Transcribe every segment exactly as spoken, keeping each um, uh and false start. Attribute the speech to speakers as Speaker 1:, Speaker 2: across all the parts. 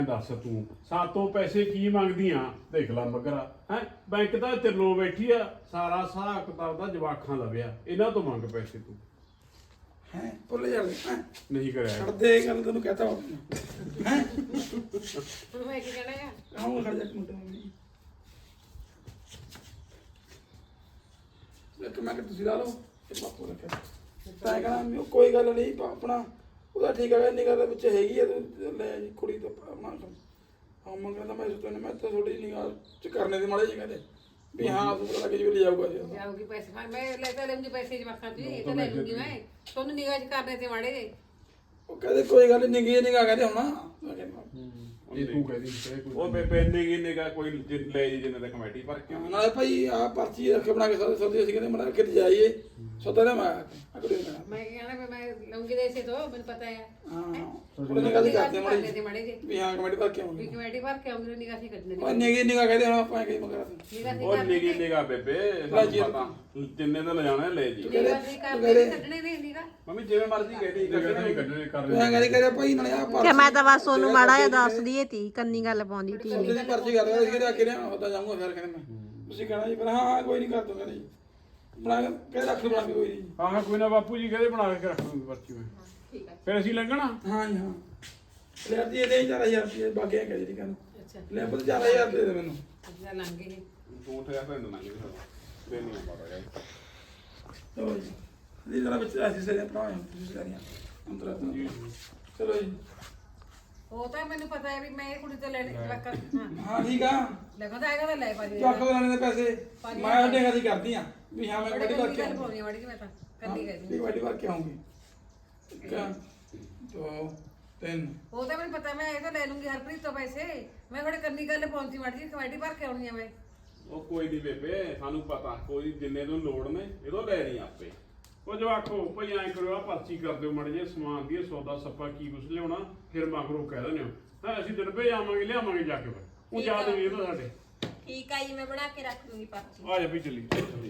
Speaker 1: ਦੱਸ ਤੂੰ ਸਾਤੋਂ ਪੈਸੇ ਕੀ ਮੰਗਦੀਆਂ ਦੇਖ ਲੈ ਮਗਰਾ ਹੈ ਬੈਂਕ ਤਾਂ ਤਿਰਲੋਂ ਬੈਠੀ ਆ ਸਾਰਾ ਹਿਸਾਬ ਕਿਤਾਬ ਦਾ ਜਵਾਖਾਂ ਲਵਿਆ ਇਹਨਾਂ ਤੋਂ ਮੰਗ ਪੈਸੇ ਤੂੰ
Speaker 2: ਹੈ ਭੁੱਲ ਜਾਂਦੇ ਹੈ
Speaker 1: ਨਹੀਂ ਕਰਿਆ
Speaker 2: ਛੱਡ ਦੇ ਇਹ ਗੱਲ ਤੈਨੂੰ ਕਹਤਾ ਹੋ ਹੈ
Speaker 3: ਹੁਣ ਮੈਂ ਕੀ ਕਹਿਣਾ ਆ
Speaker 2: ਆਉਂ ਖੜ ਜਾ ਇੱਕ ਮਿੰਟ ਮੰਮੀ ਇੱਕ ਮੈਂ ਕਿ ਤੁਸੀਂ ਲਾ ਲਓ ਇੱਕ ਬਾਪੂ ਰੱਖਿਆ ਤਾਂ ਕਹਣਾ ਕੋਈ ਗੱਲ ਨਹੀਂ ਆਪਣਾ ਉਹਦਾ ਠੀਕ ਹੈ ਨਿਗਾਹ ਦੇ ਵਿੱਚ ਹੈਗੀ ਆ ਤੂੰ ਲੈ ਜੀ ਕੁੜੀ ਤੋਂ ਆਪਣਾ ਹਾਂ ਮੰਗਣਾ ਮੈਂ ਸੁਣਨ ਮੈਂ ਤਾਂ ਥੋੜੀ ਨਿਗਾਹ ਚ ਕਰਨੇ ਦੇ ਮਾੜੇ ਜਿਹੇ ਕਹਿੰਦੇ ਵੀ ਹਾਂ ਤੂੰ ਪਤਾ ਲੱਗੇ ਜੀ ਲੈ ਜਾਊਗਾ ਜੀ
Speaker 3: ਜਾਊਗੀ ਪੈਸੇ ਹਾਂ ਮੈਂ ਲੈ ਤਾਂ ਲੈਂਦੀ ਪੈਸੇ ਜਵਾਕਾਂ ਤੋਂ ਇਹ ਤਾਂ ਲੈ ਲੂੰਗੀ ਮੈਂ ਤੁਹਾਨੂੰ ਨਿਗਾਹ ਚ ਕਰਨੇ ਤੇ ਮਾੜੇ ਜੇ
Speaker 2: ਉਹ ਕਹਿੰਦੇ ਕੋਈ ਗੱਲ ਨਹੀਂ ਨਿਗਾਹ ਨਿਗਾਹ ਕਹਿੰਦੇ ਹੁਣ ਮੈਂ ਕਹਿੰਦਾ
Speaker 1: ਇਹ ਤੂੰ ਕਹਦੀ
Speaker 4: ਉਹ ਬੇਬੇ ਨੇ ਕੀ ਨੇ ਕੋਈ ਲੈ ਜੀ ਜਿੰਨੇ ਦਾ ਕਮੇਟੀ ਪਰ ਕਿਉਂ
Speaker 2: ਨਾਲੇ ਭਾਈ ਆ ਪਰਚੀ ਰੱਖ ਬਣਾ ਕੇ ਸਾਰੇ ਸੋਦੇ ਅਸੀਂ ਕਹਿੰਦੇ ਮੜਾ ਕੇ ਜਾਈਏ ਸੋਦਾ ਨਾ ਮੈਂ ਅਗਲੇ ਦਿਨ
Speaker 3: ਮੈਂ ਕੀ ਕਹਿਣਾ ਵੀ ਮੈਂ ਲਊਂਗੀ ਦੇ ਇਸੇ ਤੋਂ ਮੈਨੂੰ ਪਤਾ ਹੈ
Speaker 2: ਹਾਂ ਥੋੜੀ ਨਿਗਾਹ ਦੀ ਕਰਦੇ
Speaker 3: ਕਰਨੇ ਤੇ
Speaker 2: ਮਾੜੇ
Speaker 3: ਮਾੜੇ ਜੇ
Speaker 2: ਵੀ ਹਾਂ ਕਮੇਟੀ ਭਰ ਕੇ
Speaker 3: ਵੀ
Speaker 2: ਆਉਂਗੇ
Speaker 3: ਕਮੇਟੀ ਭਰ ਕੇ ਆਉਂਗੀ ਨਿਗਾਹ ਸੀ ਕੱਢਣੇ
Speaker 2: ਉਹ ਨਿਗਾਹ ਨਿਗਾਹ ਕਹਿੰਦੇ ਹੁਣ ਆਪਾਂ ਕਹੀ ਮਗਰ
Speaker 3: ਨਿਗਾਹ ਸੀ
Speaker 4: ਉਹ
Speaker 3: ਕਰਨੇ
Speaker 4: ਨਿਗੀ ਨਿਗਾ ਬੇਬੇ ਸਾਨੂੰ ਪਤਾ ਜਿੰਨੇ ਦਾ ਲਿਜਾਣਾ ਲੈ ਜੀ
Speaker 3: ਨਿਗਾਹ ਸੀ ਕਰਨੇ ਕੱਢਣੇ ਨੇ ਨਿਗਾਹ
Speaker 4: ਮੰਮੀ ਜਿਵੇਂ ਮਰਜ਼ੀ ਕਹਿਦੀ
Speaker 1: ਨਹੀਂ ਕੱਢਣੇ ਕਰ
Speaker 2: ਮੈਂ ਕਹਿੰਦੇ ਕਹਿੰਦੇ ਭਾਈ ਨਾਲੇ ਆ
Speaker 5: ਕਿ ਮੈਂ ਤਾਂ ਬਸ ਉਹਨੂੰ ਮਾੜਾ ਜਿਹਾ ਦੱਸ ਦਈਏ ਤੀ ਕੰਨੀ ਗੱਲ ਪਾਉਂਦੀ ਤੀ
Speaker 2: ਸੋਦੇ ਦੀ ਪਰਚੀ ਕਰ ਰਿਹਾ ਸੀ ਕਿ ਕਿ ਨਾ ਹੁੰਦਾ ਜਾਊਂਗਾ ਫਿਰ ਕਹਿੰਦੇ ਮੈਂ ਤੁਸੀਂ ਕਹਿਣਾ ਜੀ ਪਰ ਹਾਂ ਹਾਂ ਕੋਈ ਨਹੀਂ ਕਰ ਦੂੰਗਾ ਨਹੀਂ ਬਣਾ ਕੇ ਰੱਖ ਬਣਾ ਕੇ ਕੋਈ ਨਹੀਂ
Speaker 1: ਹਾਂ ਹਾਂ ਕੋਈ ਨਾ ਬਾਪੂ ਜੀ ਕਹਿੰਦੇ ਬਣਾ ਕੇ ਰੱਖ ਦੂੰਗੀ ਪਰਚੀ ਮੈਂ
Speaker 3: ਠੀਕ ਹੈ
Speaker 1: ਫਿਰ ਅਸੀਂ ਲੰਘਣਾ
Speaker 2: ਹਾਂ ਜੀ ਹਾਂ ਲੈ ਦੀ ਇਹਦੇ ਚਾਰ ਹਜ਼ਾਰ ਰੁਪਏ ਬਾਗਿਆ ਕਹੀ ਦੀ ਕਹਿੰਦਾ
Speaker 3: ਅੱਛਾ
Speaker 2: ਲੈ ਪੁੱਤ ਚਾਰ ਹਜ਼ਾਰ ਰੁਪਏ ਦੇ ਮੈਨੂੰ
Speaker 3: ਅੱਛਾ ਲੰਘ ਗਏ
Speaker 4: ਤੂੰ ਠਿਆ ਫਿਰ ਨਾ ਜੀ ਤੇ ਨਹੀਂ ਪਤਾ ਯਾਰ
Speaker 2: ਚਲੋ ਜੀ ਇਹ ਜਰਾ ਵਿੱਚ ਐਸੀ ਸੇ ਆਪਣਾ ਤੁਸੀਂ ਕਰੀਆਂ ਅੰਦਰ ਚਲੋ ਜੀ
Speaker 3: ਉਹ ਤਾਂ ਮੈਨੂੰ ਪਤਾ ਹੈ ਵੀ ਮੈਂ ਇਹ ਕੁੜੀ ਤੋਂ ਲੈਣੇ ਜਵਾਕਾਂ ਹਾਂ
Speaker 2: ਹਾਂ ਠੀਕ ਆ
Speaker 3: ਲੱਗਦਾ ਹੈਗਾ ਤਾਂ ਲੈ ਪਾ ਜੀ
Speaker 2: ਚੱਕ ਲੈਣੇ ਦੇ ਪੈਸੇ ਮੈਂ ਉਹਦੇ ਕਦੀ ਕਰਦੀ ਆ ਵੀ ਹਾਂ ਮੈਂ ਕਦੀ ਭਰ ਕੇ
Speaker 3: ਗੱਲ ਪਾਉਣੀ ਮਾੜੀ ਮੈਂ ਤਾਂ ਕੱਲੀ
Speaker 2: ਆਉਂਗੀ
Speaker 3: ਕਰਦੀ
Speaker 2: ਇੱਕ ਵਾਰੀ ਭਰ ਕੇ ਆਉਂਗੀ ਇੱਕ ਦੋ ਤਿੰਨ
Speaker 3: ਉਹ ਤਾਂ ਮੈਨੂੰ ਪਤਾ ਮੈਂ ਇਹ ਤਾਂ ਲੈ ਲੂੰਗੀ ਹਰਪ੍ਰੀਤ ਤੋਂ ਪੈਸੇ ਮੈਂ ਥੋੜੇ ਕੰਨੀ ਗੱਲ ਪਹੁੰਚੀ ਮਾੜੀ ਜੀ ਕਮੇਟੀ ਭਰ ਕੇ ਆਉਣੀ ਆ ਮੈਂ
Speaker 4: ਉਹ ਕੋਈ ਨਹੀਂ ਬੇਬੇ ਸਾਨੂੰ ਪਤਾ ਕੋਈ ਜਿੰਨੇ ਨੂੰ ਲੋੜ ਨੇ ਇਹਦੋਂ ਲੈ ਨਹੀਂ ਆਪੇ
Speaker 1: ਉਹ ਜਵਾਖੋ ਭਈ ਐਂ ਕਰੋ ਆ ਪਰਚੀ ਕਰ ਦਿਓ ਮੜ ਜੇ ਸਮਾਨ ਦੀ ਸੌਦਾ ਸੱਪਾ ਕੀ ਕੁਛ ਲਿਆਉਣਾ ਫਿਰ ਮਗਰੋਂ ਕਹਿ ਦਿੰਦੇ ਹੋ ਹਾਂ ਅਸੀਂ ਦਿਨਪੇ ਜਾਵਾਂਗੇ ਲਿਆਵਾਂਗੇ ਜਾ ਕੇ ਫਿਰ ਉਹ ਯਾਦ ਨਹੀਂ ਇਹਦਾ ਸਾਡੇ
Speaker 6: ਠੀਕ ਆ ਜੀ ਮੈਂ ਬਣਾ ਕੇ ਰੱਖ ਲੂੰਗੀ ਪਰਚੀ
Speaker 1: ਆ ਜਾ ਵੀ ਚੱਲੀ ਚੱਲੀ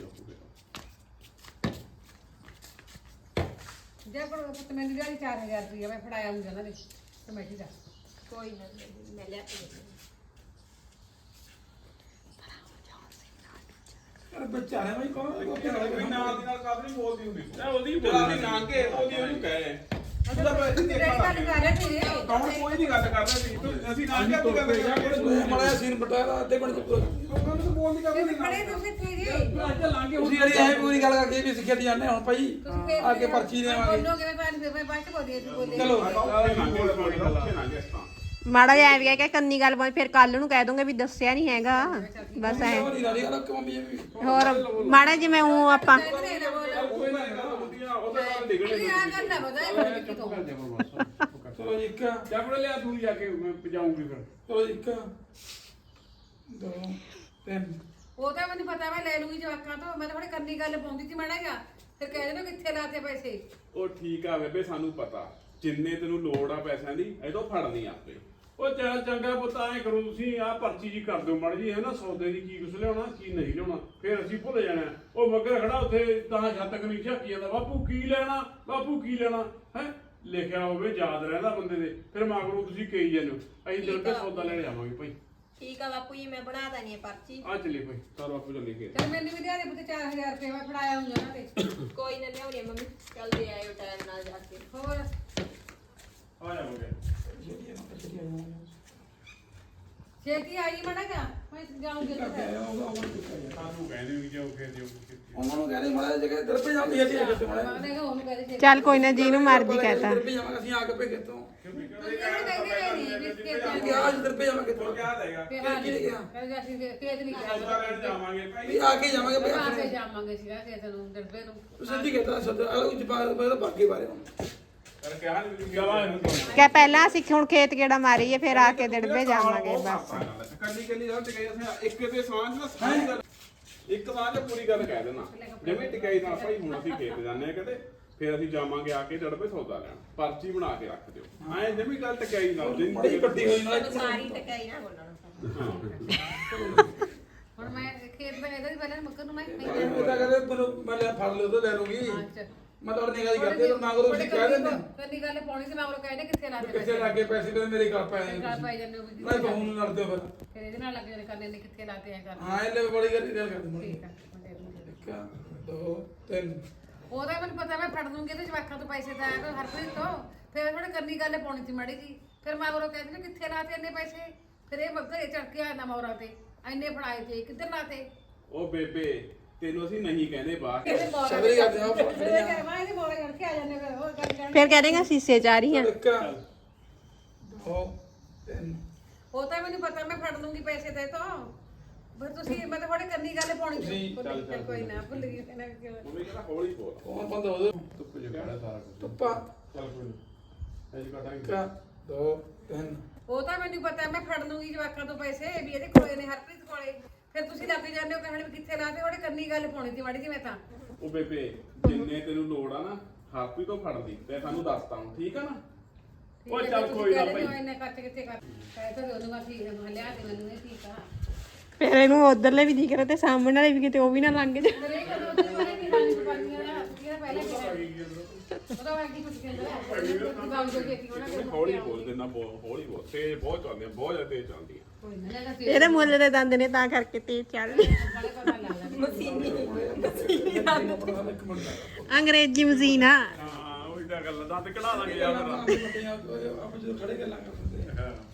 Speaker 3: ਜੇ ਕੋਲ ਪੁੱਤ ਮੈਨੂੰ ਦਿਹਾੜੀ ਚਾਰ ਹਜ਼ਾਰ ਰੁਪਇਆ ਮੈਂ ਫੜਾਇਆ ਹੁੰਦਾ ਉਹਨਾਂ ਨੇ ਕਮੇਟੀ ਦਾ
Speaker 6: ਕੋਈ ਨਾ ਮੈਂ ਲਿਆ ਕੇ ਦੇ
Speaker 2: ਅਰੇ ਬੱਚਾ ਹੈ ਭਾਈ ਕੌਣ
Speaker 4: ਕੋਈ ਨਾਲ ਦੀ ਨਾਲ ਕਾਫੀ ਨਹੀਂ ਬੋਲਦੀ ਹੁੰਦੀ ਸੀ ਉਹਦੀ ਬੋਲਦੀ ਨਾ ਕੇ ਉਹਦੀ ਉਹਨੂੰ ਕਹੇ ਉਹਦਾ ਪੈਸੇ
Speaker 3: ਤੇਰੀ ਗੱਲ ਕਰ ਰਹੇ ਸੀ
Speaker 4: ਕੌਣ ਕੋਈ ਨਹੀਂ ਗੱਲ ਕਰਦਾ ਸੀ ਅਸੀਂ ਨਾ ਕੇ ਆਪਣੀ ਗੱਲ ਕਰਾਂਗੇ
Speaker 2: ਮੜਿਆ ਸੀਨ ਬਟਾਇਆ ਅੱਧੇ ਘੰਟੇ ਚ
Speaker 4: ਉਹਨਾਂ ਨੂੰ ਬੋਲਦੀ ਕਰਦੇ
Speaker 3: ਤੁਸੀਂ ਖੜੇ ਤੁਸੀਂ ਤੇਰੇ
Speaker 4: ਅੱਜ ਲਾਂਗੇ
Speaker 2: ਤੁਸੀਂ ਜਿਹੜੀ ਐ ਪੂਰੀ ਗੱਲ ਕਰਕੇ ਵੀ ਸਿੱਖਿਆ ਦੀ ਜਾਂਦੇ ਹੁਣ ਭਾਈ ਅੱਗੇ ਪਰਚੀ ਦੇਵਾਂਗੇ
Speaker 3: ਬੋਲੋਗੇ ਮੈਂ ਬਾਅਦ ਫਿਰ ਮੈਂ ਬਾਅਦ ਚ ਬੋਲੀ ਸੀ ਬੋਲੇ
Speaker 2: ਚਲੋ
Speaker 5: ਮਾੜਾ ਜਿਹਾ ਐਵੇਂ ਕਿ ਕੰਨੀ ਗੱਲ ਪਾਉਂਦੀ ਫਿਰ ਕੱਲ ਨੂੰ ਕਹਿ ਦੋਗੇ ਵੀ ਦੱਸਿਆ ਨਹੀਂ ਹੈਗਾ ਬਸ ਐ
Speaker 2: ਨਹੀਂ ਨਾਲੀ ਗੱਲ ਕਿ ਮੰਮੀ ਵੀ
Speaker 5: ਹੋਰ ਮਾੜਾ ਜਿਵੇਂ ਉਹ ਆਪਾਂ
Speaker 3: ਕੋਈ ਨਾ ਬੋਲ
Speaker 4: ਉਹਦੇ ਨਾਲ ਡਿੱਗਣੇ
Speaker 3: ਇਹ ਆ ਗੱਲ ਨਾ ਬਤਾ ਇਹ ਕਿਤੋਂ
Speaker 2: ਚਲੋ ਜੀ ਇੱਕ
Speaker 1: ਚੱਪੜ ਲਿਆ ਤੂੰ ਜਾ ਕੇ ਮੈਂ ਪਜਾਉਂਗੀ ਫਿਰ
Speaker 2: ਚਲੋ ਜੀ ਇੱਕ ਦੋ ਤਿੰਨ
Speaker 3: ਉਹ ਤਾਂ ਮੈਨੂੰ ਪਤਾ ਮੈਂ ਲੈ ਲੂੰਗੀ ਜਵਾਕਾਂ ਤੋਂ ਮੈਂ ਤਾਂ ਥੋੜੀ ਕੰਨੀ ਗੱਲ ਪਾਉਂਦੀ ਸੀ ਮਾੜਾ ਜਿਹਾ ਫਿਰ ਕਹਿ ਦੇਣਾ ਕਿੱਥੇ ਲਾਤੇ ਪੈਸੇ
Speaker 4: ਉਹ ਠੀਕ ਆ ਬੇਬੇ ਸਾਨੂੰ ਪਤਾ ਜਿੰਨੇ ਤੈਨੂੰ ਲੋੜ ਆ ਪੈਸਿਆਂ ਦੀ ਇਹਦੋਂ ਫੜਨੀ ਆਪੇ
Speaker 1: ਉਹ ਚੱਲ ਚੰਗਾ ਪੁੱਤ ਐਂ ਕਰੋ ਤੁਸੀਂ ਆਹ ਪਰਚੀ ਜੀ ਕਰ ਦਿਓ ਮੜ ਜੀ ਹੈ ਨਾ ਸੌਦੇ ਦੀ ਕੀ ਕੁਛ ਲਿਆਉਣਾ ਕੀ ਨਹੀਂ ਲਿਆਉਣਾ ਫਿਰ ਅਸੀਂ ਭੁੱਲ ਜਾਣਾ ਉਹ ਮੱਗਰ ਖੜਾ ਉੱਥੇ ਤਾਂ ਛੱਤ ਕਨੀ ਝਾਕੀ ਜਾਂਦਾ ਬਾਪੂ ਕੀ ਲੈਣਾ ਬਾਪੂ ਕੀ ਲੈਣਾ ਹੈ ਲਿਖਿਆ ਹੋਵੇ ਯਾਦ ਰਹਿੰਦਾ ਬੰਦੇ ਦੇ ਫਿਰ ਮਗਰੋਂ ਤੁਸੀਂ ਕਹੀ ਜਾਂਦੇ ਹੋ ਅਸੀਂ ਦਿਲ ਤੇ ਸੌਦਾ ਲੈਣ ਜਾਵਾਂਗੇ ਭਾਈ
Speaker 6: ਠੀਕ ਆ ਬਾਪੂ ਜੀ ਮੈਂ ਬਣਾ ਦਣੀ ਪਰਚੀ
Speaker 1: ਆ ਚੱਲੇ ਭਾਈ ਸਾਰਾ ਬਾਪੂ ਚੱਲੇ ਕੇ
Speaker 3: ਚਲ ਮੈਨੂੰ ਵੀ ਦਿਹਾੜੀ ਪੁੱਤ ਚਾਰ ਹਜ਼ਾਰ ਰੁਪਏ ਮੈਂ ਫੜਾਇਆ ਹੁੰਦਾ ਉਹਨਾਂ ਤੇ
Speaker 6: ਕੋਈ ਨਾ ਲਿਆਉਣੀ ਆ ਮੰਮੀ ਚੱਲਦੇ ਆਇਓ ਟਾਈਮ ਨਾਲ ਜਾ ਕੇ
Speaker 3: ਹੋਰ
Speaker 1: ਆ ਜਾਵਾਂਗੇ
Speaker 3: ਛੇਤੀ ਆਈ ਮੜਾ ਜਾ ਮੈਂ ਜਾਊਂਗੀ ਉੱਥੇ
Speaker 1: ਸਾਨੂੰ ਕਹਿੰਦੇ ਵੀ ਜਾਓ ਕਿ ਦਿਓ
Speaker 2: ਉਹਨਾਂ ਨੂੰ ਕਹਿੰਦੇ ਮਾੜਾ ਜਗ੍ਹਾ ਦਰਪੇ ਜਾਂਦੀ ਹੈ ਜੀ ਕਿਤੇ ਮਾੜਾ
Speaker 3: ਮੈਂ ਕਿਹਾ ਉਹਨੂੰ ਕਹਦੇ ਛੇਤੀ
Speaker 5: ਚੱਲ ਕੋਈ ਨਾ ਜਿਹਨੂੰ ਮਰਜ਼ੀ ਕਹਤਾ
Speaker 2: ਦਰਪੇ ਜਾਵਾਂਗੇ ਅਸੀਂ ਆ ਕੇ ਭੇਗੇ ਤੋਂ
Speaker 3: ਤੁਸੀਂ ਕਹਿੰਦੇ ਨਹੀਂ ਬਿਸਕਟ
Speaker 2: ਕਿ ਅੱਜ ਦਰਪੇ ਜਾਵਾਂਗੇ ਤੋਂ
Speaker 4: ਕਿਆ ਦੇਗਾ
Speaker 3: ਤੇ ਹਾਂ ਜੀ ਕਹਿੰਦੇ ਅਸੀਂ ਤੇਜ ਨਹੀਂ
Speaker 4: ਸੌਦਾ
Speaker 3: ਕਿਹਾ
Speaker 4: ਲੈਣ ਜਾਵਾਂਗੇ ਭਾਈ
Speaker 2: ਵੀ ਆ ਕੇ ਜਾਵਾਂਗੇ ਭਈ
Speaker 3: ਆਪੇ
Speaker 2: ਆਪਣੇ
Speaker 3: ਜਾਵਾਂਗੇ ਸੀਗਾ ਕਿ ਤੈਨੂੰ ਦਰਬੇ ਨੂੰ
Speaker 2: ਤੁਸੀਂ ਜੀ ਕਹਿੰਦਾ ਸਦ ਅਲਗ ਜਪਾਲ ਪਹਿਲਾਂ ਬਾਕੀ ਬਾਰੇ ਹੁਣ
Speaker 4: ਪਰ ਕਿਹਾ ਨਹੀਂ
Speaker 1: ਚਲਾ
Speaker 5: ਕਿ ਪਹਿਲਾਂ ਅਸੀਂ ਹੁਣ ਖੇਤ ਕਿਹੜਾ ਮਾਰੀਏ ਫਿਰ ਆ ਕੇ ਦਿੜਬੇ ਜਾਵਾਂਗੇ ਬਸ
Speaker 4: ਕੱਲੀ ਕੱਲੀ ਗੱਲ ਟਿਕਾਈ ਅਸੀਂ ਇੱਕ ਤੇ ਸਾਂਝ ਨਾਲ ਸਾਂਝ ਗੱਲ ਇੱਕ ਸਾਂਝ ਪੂਰੀ ਗੱਲ ਕਹਿ ਦੇਣਾ ਜਿਵੇਂ ਟਿਕਾਈ ਨਾਲ ਭਾਈ ਹੁਣ ਅਸੀਂ ਖੇਤ ਜਾਂਦੇ ਆ ਕਹਿੰਦੇ ਫਿਰ ਅਸੀਂ ਜਾਵਾਂਗੇ ਆ ਕੇ ਡੜਬੇ ਸੌਦਾ ਲੈਣ ਪਰਚੀ ਬਣਾ ਕੇ ਰੱਖ ਦਿਓ ਐਂ ਜਿਵੇਂ ਗੱਲ ਟਿਕਾਈ ਨਾਲ
Speaker 2: ਬੜੀ ਵੱਡੀ ਹੋਈ ਨਾਲ
Speaker 6: ਸਾਰੀ ਟਕਾਈ ਨਾ ਬੋਲਣਾ
Speaker 3: ਹੁਣ ਮੈਂ ਖੇਤ ਮੈਂ ਇਹਦਾ ਹੀ ਪਹਿਲਾਂ ਮੱਕਰ ਨੂੰ ਮੈਂ
Speaker 2: ਇਹ ਤਾਂ ਕਹਿੰਦੇ ਮੈਨੂੰ ਮੈਂ ਲੈ ਫੜ ਲਿਓ ਤਾਂ ਲੈ ਲੂੰਗੀ
Speaker 3: ਅੱਛਾ
Speaker 2: ਮੈਂ ਤੁਹਾਡੇ ਨਿਗਾਹ ਦੀ ਕਰਦੇ ਤਾਂ ਨਾ ਕਰੋ ਤੁਸੀਂ ਕਹਿ ਦਿੰਦੇ
Speaker 3: ਕੰਨੀ ਗੱਲ ਪਾਉਣੀ ਸੀ ਮੈਂ ਉਹ ਕਹਿੰਦੇ ਕਿੱਥੇ ਲਾ ਦੇ
Speaker 2: ਕਿੱਥੇ ਲੱਗੇ ਪੈਸੇ ਤੇ ਮੇਰੇ ਘਰ ਪੈ
Speaker 3: ਘਰ ਪਾਈ ਜਾਂਦੇ ਹੋ ਵੀ
Speaker 2: ਮੈਂ ਬਹੂ ਨੂੰ ਲੜਦੇ ਫਿਰ
Speaker 3: ਫਿਰ ਇਹਦੇ ਨਾਲ ਲੱਗ ਜਾਣੇ ਕਰਨੇ ਨੇ ਕਿੱਥੇ ਲਾਤੇ ਆ ਕਰ
Speaker 2: ਹਾਂ ਇਹ ਲੈ ਬੜੀ ਗੱਲ ਗੱਲ ਕਰਦੇ ਮੁੰਡੇ
Speaker 3: ਠੀਕ ਆ ਮੁੰਡੇ ਨੂੰ।
Speaker 2: ਇੱਕ ਦੋ ਤਿੰਨ
Speaker 3: ਉਹਦਾ ਮੈਨੂੰ ਪਤਾ ਮੈਂ ਫੜ ਦੂੰਗੀ ਤੇ ਜਵਾਕਾਂ ਤੋਂ ਪੈਸੇ ਤਾਂ ਆਇਆ ਹਰਪ੍ਰੀਤ ਤੋਂ ਫਿਰ ਥੋੜੇ ਕੰਨੀ ਗੱਲ ਪਾਉਣੀ ਸੀ ਮਾੜੀ ਜੀ ਫਿਰ ਮੈਂ ਉਹ ਕਹਿੰਦੀ ਨੇ ਕਿੱਥੇ ਲਾਤੇ ਇੰਨੇ ਪੈਸੇ ਫਿਰ ਇਹ ਘਰੇ ਚੜ ਕੇ ਆਇਆ ਨਾ ਮੌਰਾ ਤੇ ਇੰਨੇ ਫੜਾਏ ਤੇ ਕਿੱਧਰ ਲਾਤੇ
Speaker 4: ਉਹ ਬੇਬੇ ਤੈਨੂੰ ਅਸੀਂ ਨਹੀਂ ਕਹਿੰਦੇ ਬਾਹਰ
Speaker 3: ਇਹਦੇ ਮੌਰਾ
Speaker 2: ਸਬਰੀ ਕਰਦੇ ਆ
Speaker 3: ਫਿਰ ਇਹ ਕਹਿ ਮੈਂ ਇਹਦੇ ਮੌਰਾ ਚੜ ਕੇ ਆ ਜਾਂਦੇ ਫਿਰ ਹੋਰ ਗੱਲ ਕਰ
Speaker 5: ਫਿਰ ਕਹਿ ਦੇਗਾ ਸੀਸੇ ਚ ਆ ਰਹੀ ਆ
Speaker 2: ਇੱਕ ਦੋ ਤਿੰਨ
Speaker 3: ਉਹ ਤਾਂ ਮੈਨੂੰ ਪਤਾ ਮੈਂ ਫੜ ਲੂੰਗੀ ਪੈਸੇ ਤੇ ਤੋਂ ਪਰ ਤੁਸੀਂ ਮੈਂ ਤਾਂ ਥੋੜੇ ਕੰਨੀ ਗੱਲ ਪਾਉਣੀ ਸੀ
Speaker 4: ਚੱਲ, ਚੱਲ,
Speaker 3: ਕੋਈ ਨਾ ਭੁੱਲ ਗਈ ਇਹਨਾਂ ਕਿਉਂ
Speaker 4: ਮੰਮੀ ਕਹਿੰਦਾ ਹੌਲੀ ਬੋਲ
Speaker 2: ਕੌਣ ਬੰਦ ਹੋ ਦੋ
Speaker 1: ਧੁੱਪ ਜਗਾੜਾ ਸਾਰਾ ਕੁਝ
Speaker 2: ਧੁੱਪਾ
Speaker 1: ਚੱਲ ਕੋਈ ਨਹੀਂ ਐਜ ਕਟਾਂਗੇ
Speaker 2: ਇੱਕ ਦੋ ਤਿੰਨ
Speaker 3: ਉਹ ਤਾਂ ਮੈਨੂੰ ਪਤਾ ਮੈਂ ਫੜ ਲੂੰਗੀ ਜਵਾਕਾਂ ਤੋਂ ਪੈਸੇ ਵੀ ਇਹਦੇ ਕੋਲੇ ਨੇ ਹਰਪ੍ਰੀਤ ਕੋਲੇ ਫਿਰ ਤੁਸੀਂ ਲੱਗ ਜਾਂਦੇ ਹੋ ਕਹਿਣ ਵੀ ਕਿੱਥੇ ਲਾਤੇ ਉਹਦੇ ਕੰਨੀ ਗੱਲ ਪਾਉਣੀ ਸੀ ਮਾੜੀ ਜੀ ਮੈਂ ਤਾਂ
Speaker 4: ਉਹ ਬੇਬੇ ਜਿੰਨੇ ਤੈਨੂੰ ਲੋੜ ਆ ਨਾ ਹਾਪੀ ਤੋਂ ਫੜ ਲਈ ਤੇ ਸਾਨੂੰ ਦੱਸਤਾ ਹੁਣ ਠੀਕ ਆ ਨਾ
Speaker 3: ਠੀਕ
Speaker 1: ਉਹ
Speaker 3: ਹੈ,
Speaker 1: ਚੱਲ
Speaker 3: ਤੁਸੀਂ
Speaker 1: ਕੋਈ ਨਾ
Speaker 3: ਕਹਿ ਦਿੰਦੇ ਹੋ
Speaker 1: ਭਾਈ।
Speaker 3: ਇੰਨੇ ਖਰਚ ਕਿੱਥੇ ਕਰ ਕਹਿ ਤਾਂ ਉਹਨੂੰ ਮੈਂ ਠੀਕ ਹੈ ਲਿਆ ਤੇ ਮੈਨੂੰ ਇਹ ਠੀਕ ਆ
Speaker 5: ਫਿਰ ਇਹਨੂੰ ਉਧਰਲੇ ਵੀ ਦਿਖ ਰਿਹਾ ਤੇ ਸਾਹਮਣੇ ਵਾਲੇ ਵੀ ਕਿਤੇ ਉਹ ਵੀ ਨਾ ਲੰਘ ਜਾ
Speaker 3: ਮੇਰੇ ਕੋਲ ਉਹਦੇ ਬਾਰੇ ਵੀ ਹਾਲੀ ਪਾਣੀਆਂ ਦਾ ਤੁਸੀਂ ਪਹਿਲਾਂ ਕਿਹਾ ਉਹਦਾ ਵਾਂਗੀ ਕੁਝ ਕਹਿੰਦਾ ਹੈ ਬਾਬੂ ਜੋ ਕੀਤੀ ਉਹਨਾਂ ਦੇ
Speaker 4: ਹੌਲੀ ਬੋਲ ਦੇਣਾ ਹੌਲੀ ਬੋਲ ਤੇਜ਼ ਬਹੁਤ ਚੱਲਦੀ ਆ ਬਹੁਤ ਜ਼ਿਆਦਾ ਤੇਜ਼ ਚੱਲਦੀ ਆ
Speaker 3: ਕੋਈ ਨਾ ਨਾ
Speaker 5: ਇਹਦੇ ਮੁੱਲ ਦੇ ਦੰਦ ਨੇ ਤਾਂ ਕਰਕੇ ਤੇ ਚੱਲ
Speaker 3: ਨਾਲੇ ਪਤਾ ਲੱਗ ਜਾਂਦਾ
Speaker 2: ਇੱਕ ਮਿੰਟ
Speaker 5: ਅੰਗਰੇਜ਼ੀ ਮਸ਼ੀਨ ਆ
Speaker 1: ਹਾਂ ਉਹੀ ਤਾਂ ਗੱਲ ਦੰਦ ਕਢਾ ਦਾਂਗੇ ਯਾਰ ਫਿਰ
Speaker 2: ਆਪਾਂ ਜਦੋਂ ਖੜੇ ਗੱਲਾਂ ਕਰਦੇ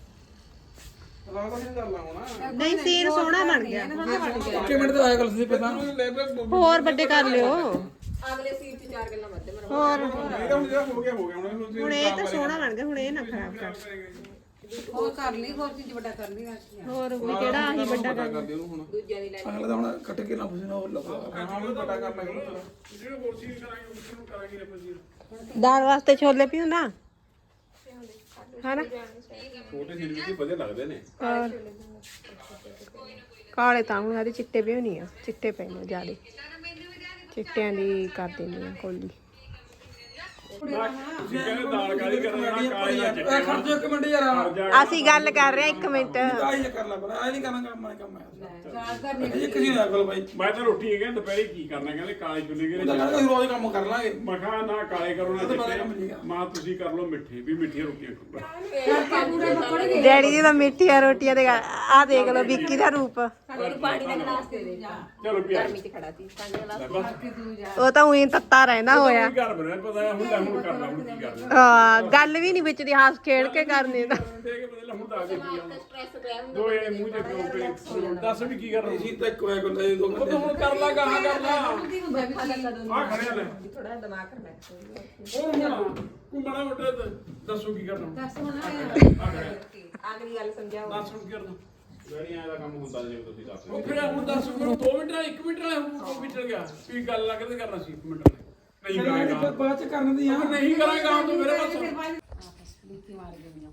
Speaker 4: ਲੱਗਦਾ ਨਹੀਂ ਕਰ ਲਾ ਹੁਣ
Speaker 5: ਨਹੀਂ ਸੀਨ ਸੋਹਣਾ ਬਣ ਗਿਆ
Speaker 2: ਇੱਕ ਮਿੰਟ ਤਾਂ ਆਇਆ ਗੱਲ ਸੀ ਪਤਾ
Speaker 5: ਹੋਰ ਵੱਡੇ ਕਰ ਲਿਓ
Speaker 6: ਅਗਲੇ ਸੀਟ 'ਚ ਚਾਰ ਗੱਲਾਂ ਮੱਤੇ ਮਰੋ
Speaker 5: ਹੋਰ
Speaker 4: ਇਹਦਾ ਹੁਣ ਜਿਹੜਾ ਹੋ ਗਿਆ ਹੋ ਗਿਆ ਹੁਣ ਇਹਨੂੰ ਤੁਸੀਂ
Speaker 5: ਹੁਣ ਇਹ ਤਾਂ ਸੋਹਣਾ ਬਣ ਗਿਆ ਹੁਣ ਇਹ ਨਾ ਖਰਾਬ ਕਰ
Speaker 3: ਹੋਰ ਕਰ ਲਈ ਹੋਰ ਚੀਜ਼ ਵੱਡਾ ਕਰ ਲਈ ਰਾਸ਼ੀ
Speaker 5: ਹੋਰ ਵੀ ਕਿਹੜਾ ਆਹੀ ਵੱਡਾ
Speaker 4: ਪਤਾ
Speaker 5: ਕਰ
Speaker 4: ਕਰ ਦਿਓ ਉਹਨੂੰ ਹੁਣ
Speaker 6: ਦੂਜਿਆਂ ਦੀ ਲੈ
Speaker 2: ਅਗਲਾ ਤਾਂ ਹੁਣ ਕੱਟ ਕੇ ਨਾ ਪੁੱਛਣਾ ਉਹ ਲੱਗਾ
Speaker 4: ਹਾਂ ਵੀ ਪਤਾ ਕਰ ਲਾਂਗੇ ਉਹਨੂੰ
Speaker 1: ਜਿਹੜਾ ਹੋਰ ਸੀਨ ਕਰਾਂਗੇ ਉਸ ਨੂੰ ਕਰਾਂਗੇ ਆਪਾਂ ਜੀ
Speaker 5: ਦਾਲ ਵਾਸਤੇ ਛੋਲੇ ਪਿਓ ਨਾ ਹਨਾ
Speaker 4: ਛੋਟੇ ਸੀਨ ਵੀ ਵਧੀਆ ਲੱਗਦੇ ਨੇ
Speaker 5: ਹੋਰ ਕਾਲੇ ਤਾਂ ਹੁਣ ਆਦੇ ਚਿੱਟੇ ਪਿਓ ਨਹੀਂ ਆ ਚਿੱਟੇ ਪਏ ਨੇ ਜਿਆਦੇ ਚਿੱਟਿਆਂ ਦੀ ਕਰ ਦਿੰਦੀ ਆ ਕੋਲੀ
Speaker 1: ਤੁਸੀਂ ਕਹਿੰਦੇ ਦਾਲ ਕਾਲੀ ਕਰਨਾ ਕਾਲੀ ਦਾ
Speaker 2: ਇਹ ਖਰਚੋ ਇੱਕ ਮਿੰਟ ਯਾਰ
Speaker 5: ਅਸੀਂ ਗੱਲ ਕਰ ਰਹੇ ਆ ਇੱਕ ਮਿੰਟ
Speaker 2: ਆਈ ਕਰ ਲੈ ਪਰ ਆਈ ਨਹੀਂ ਕਰਨਾ ਕੰਮ ਮੈਂ ਕੰਮ ਹੈ
Speaker 3: ਯਾਦ ਕਰਨੀ
Speaker 2: ਇਹ ਕਿਸੇ ਨੂੰ ਅਕਲ ਬਾਈ
Speaker 1: ਮੈਂ ਤਾਂ ਰੋਟੀ ਇਹ ਕਹਿੰਦਾ ਦੁਪਹਿਰੇ ਕੀ ਕਰਨਾ ਕਹਿੰਦੇ ਕਾਲੇ ਚੁੱਲੇ
Speaker 2: ਉਹ ਤਾਂ
Speaker 1: ਗਰੇ
Speaker 2: ਕਹਿੰਦਾ ਅਸੀਂ ਰੋਜ਼ ਕੰਮ ਕਰ ਲਾਂਗੇ
Speaker 1: ਮਖਾ ਨਾ ਕਾਲੇ ਕਰੋ ਨਾ
Speaker 2: ਇਹ ਤਾਂ ਬੜਾ ਕੰਮ
Speaker 1: ਚਿੱਟੇ
Speaker 2: ਸੀਗਾ।
Speaker 1: ਮਾਂ ਤੁਸੀਂ ਕਰ ਲਓ ਮਿੱਠੇ ਵੀ ਮਿੱਠੀਆਂ ਰੋਟੀਆਂ ਖਾਓ
Speaker 5: ਡੈਡੀ ਦੀ ਤਾਂ ਮਿੱਠੀਆਂ ਰੋਟੀਆਂ ਦੇ ਆ ਦੇਖ ਲਓ ਵਿੱਕੀ ਦਾ ਰੂਪ
Speaker 6: ਸਾਨੂੰ ਪਾਣੀ ਦਾ ਗਲਾਸ ਦੇ ਦੇ
Speaker 1: ਚਲੋ ਪਿਆ
Speaker 6: ਗਰਮੀ 'ਚ ਖੜਾ ਸੀ ਪਾਣੀ ਦਾ ਗਲਾਸ
Speaker 1: ਬਸ
Speaker 5: ਉਹ ਤਾਂ ਉਹੀ ਤੱਤਾ ਰਹਿੰਦਾ ਹੋਇਆ
Speaker 1: ਘਰ ਬਣਿਆ ਪਤਾ ਹੈ ਹੁਣ ਲੈ ਹੁਣ ਕਰਨਾ ਹੁਣ ਕੀ ਕਰਨਾ
Speaker 5: ਆ, ਗੱਲ ਵੀ ਨਹੀਂ ਵਿੱਚ ਦੀ ਹੱਸ ਖੇਡ ਕੇ ਕਰਨੀ ਤਾਂ
Speaker 1: ਦੇਖ ਬਦਲ ਹੁਣ ਦੱਸ ਦੇ ਕੀ ਆ
Speaker 6: ਸਟ੍ਰੈਸ ਪਿਆ ਹੁੰਦਾ
Speaker 1: ਦੋ ਇਹ ਮੂੰਹ ਤੇ ਦੋ ਦੱਸ ਵੀ ਕੀ ਕਰਨਾ
Speaker 2: ਅਸੀਂ ਤਾਂ ਇੱਕ ਹੋਇਆ ਕੋਲ ਇਹ ਦੋ
Speaker 1: ਉਹ
Speaker 2: ਬੰਦੇ
Speaker 1: ਤਾਂ ਹੁਣ ਕਰ ਲਾ ਗਾਹਾਂ ਕਰ ਲਾ
Speaker 3: ਹੁੰਦਾ ਵੀ ਕੀ
Speaker 1: ਆ ਖੜਿਆ ਲੈ
Speaker 6: ਥੋੜਾ ਦਿਮਾਗ ਕਰਨਾ
Speaker 1: ਉਹ ਹੁਣ ਤੂੰ ਬੜਾ ਮੋਟਾ ਦੱਸੋ ਕੀ ਕਰਨਾ
Speaker 3: ਦੱਸ ਹੁਣ
Speaker 1: ਆ ਖੜਿਆ
Speaker 6: ਆਖਰੀ ਗੱਲ ਸਮਝਾਓ
Speaker 1: ਦੱਸ ਹੁਣ ਕੀ ਕਰਨਾ
Speaker 4: ਗੜੀਆਂ ਦਾ ਕੰਮ ਹੁੰਦਾ ਜੇ ਤੁਸੀਂ ਦੱਸ
Speaker 1: ਉਹ ਫਿਰ ਹੁਣ ਦੱਸ ਮੈਨੂੰ ਦੋ ਮਿੰਟ ਨਾਲ ਇੱਕ ਮਿੰਟ ਨਾਲ ਹੁਣ ਦੋ ਮਿੰਟ ਗਿਆ ਵੀ ਗੱਲ ਲੱਗਦੇ ਕਰਨਾ ਸੀ ਇੱਕ ਮਿੰਟ ਨਾਲ ਨਹੀਂ ਕਰਾਂਗਾ
Speaker 2: ਬਾਅਦ ਚ ਕਰਨ ਦੀ ਆ
Speaker 1: ਨਹੀਂ ਕਰਾਂਗਾ ਹੁਣ ਤੂੰ ਮੇਰੇ ਪਾਸ
Speaker 3: ਲੀਤੀ ਮਾਰ ਗਈਆਂ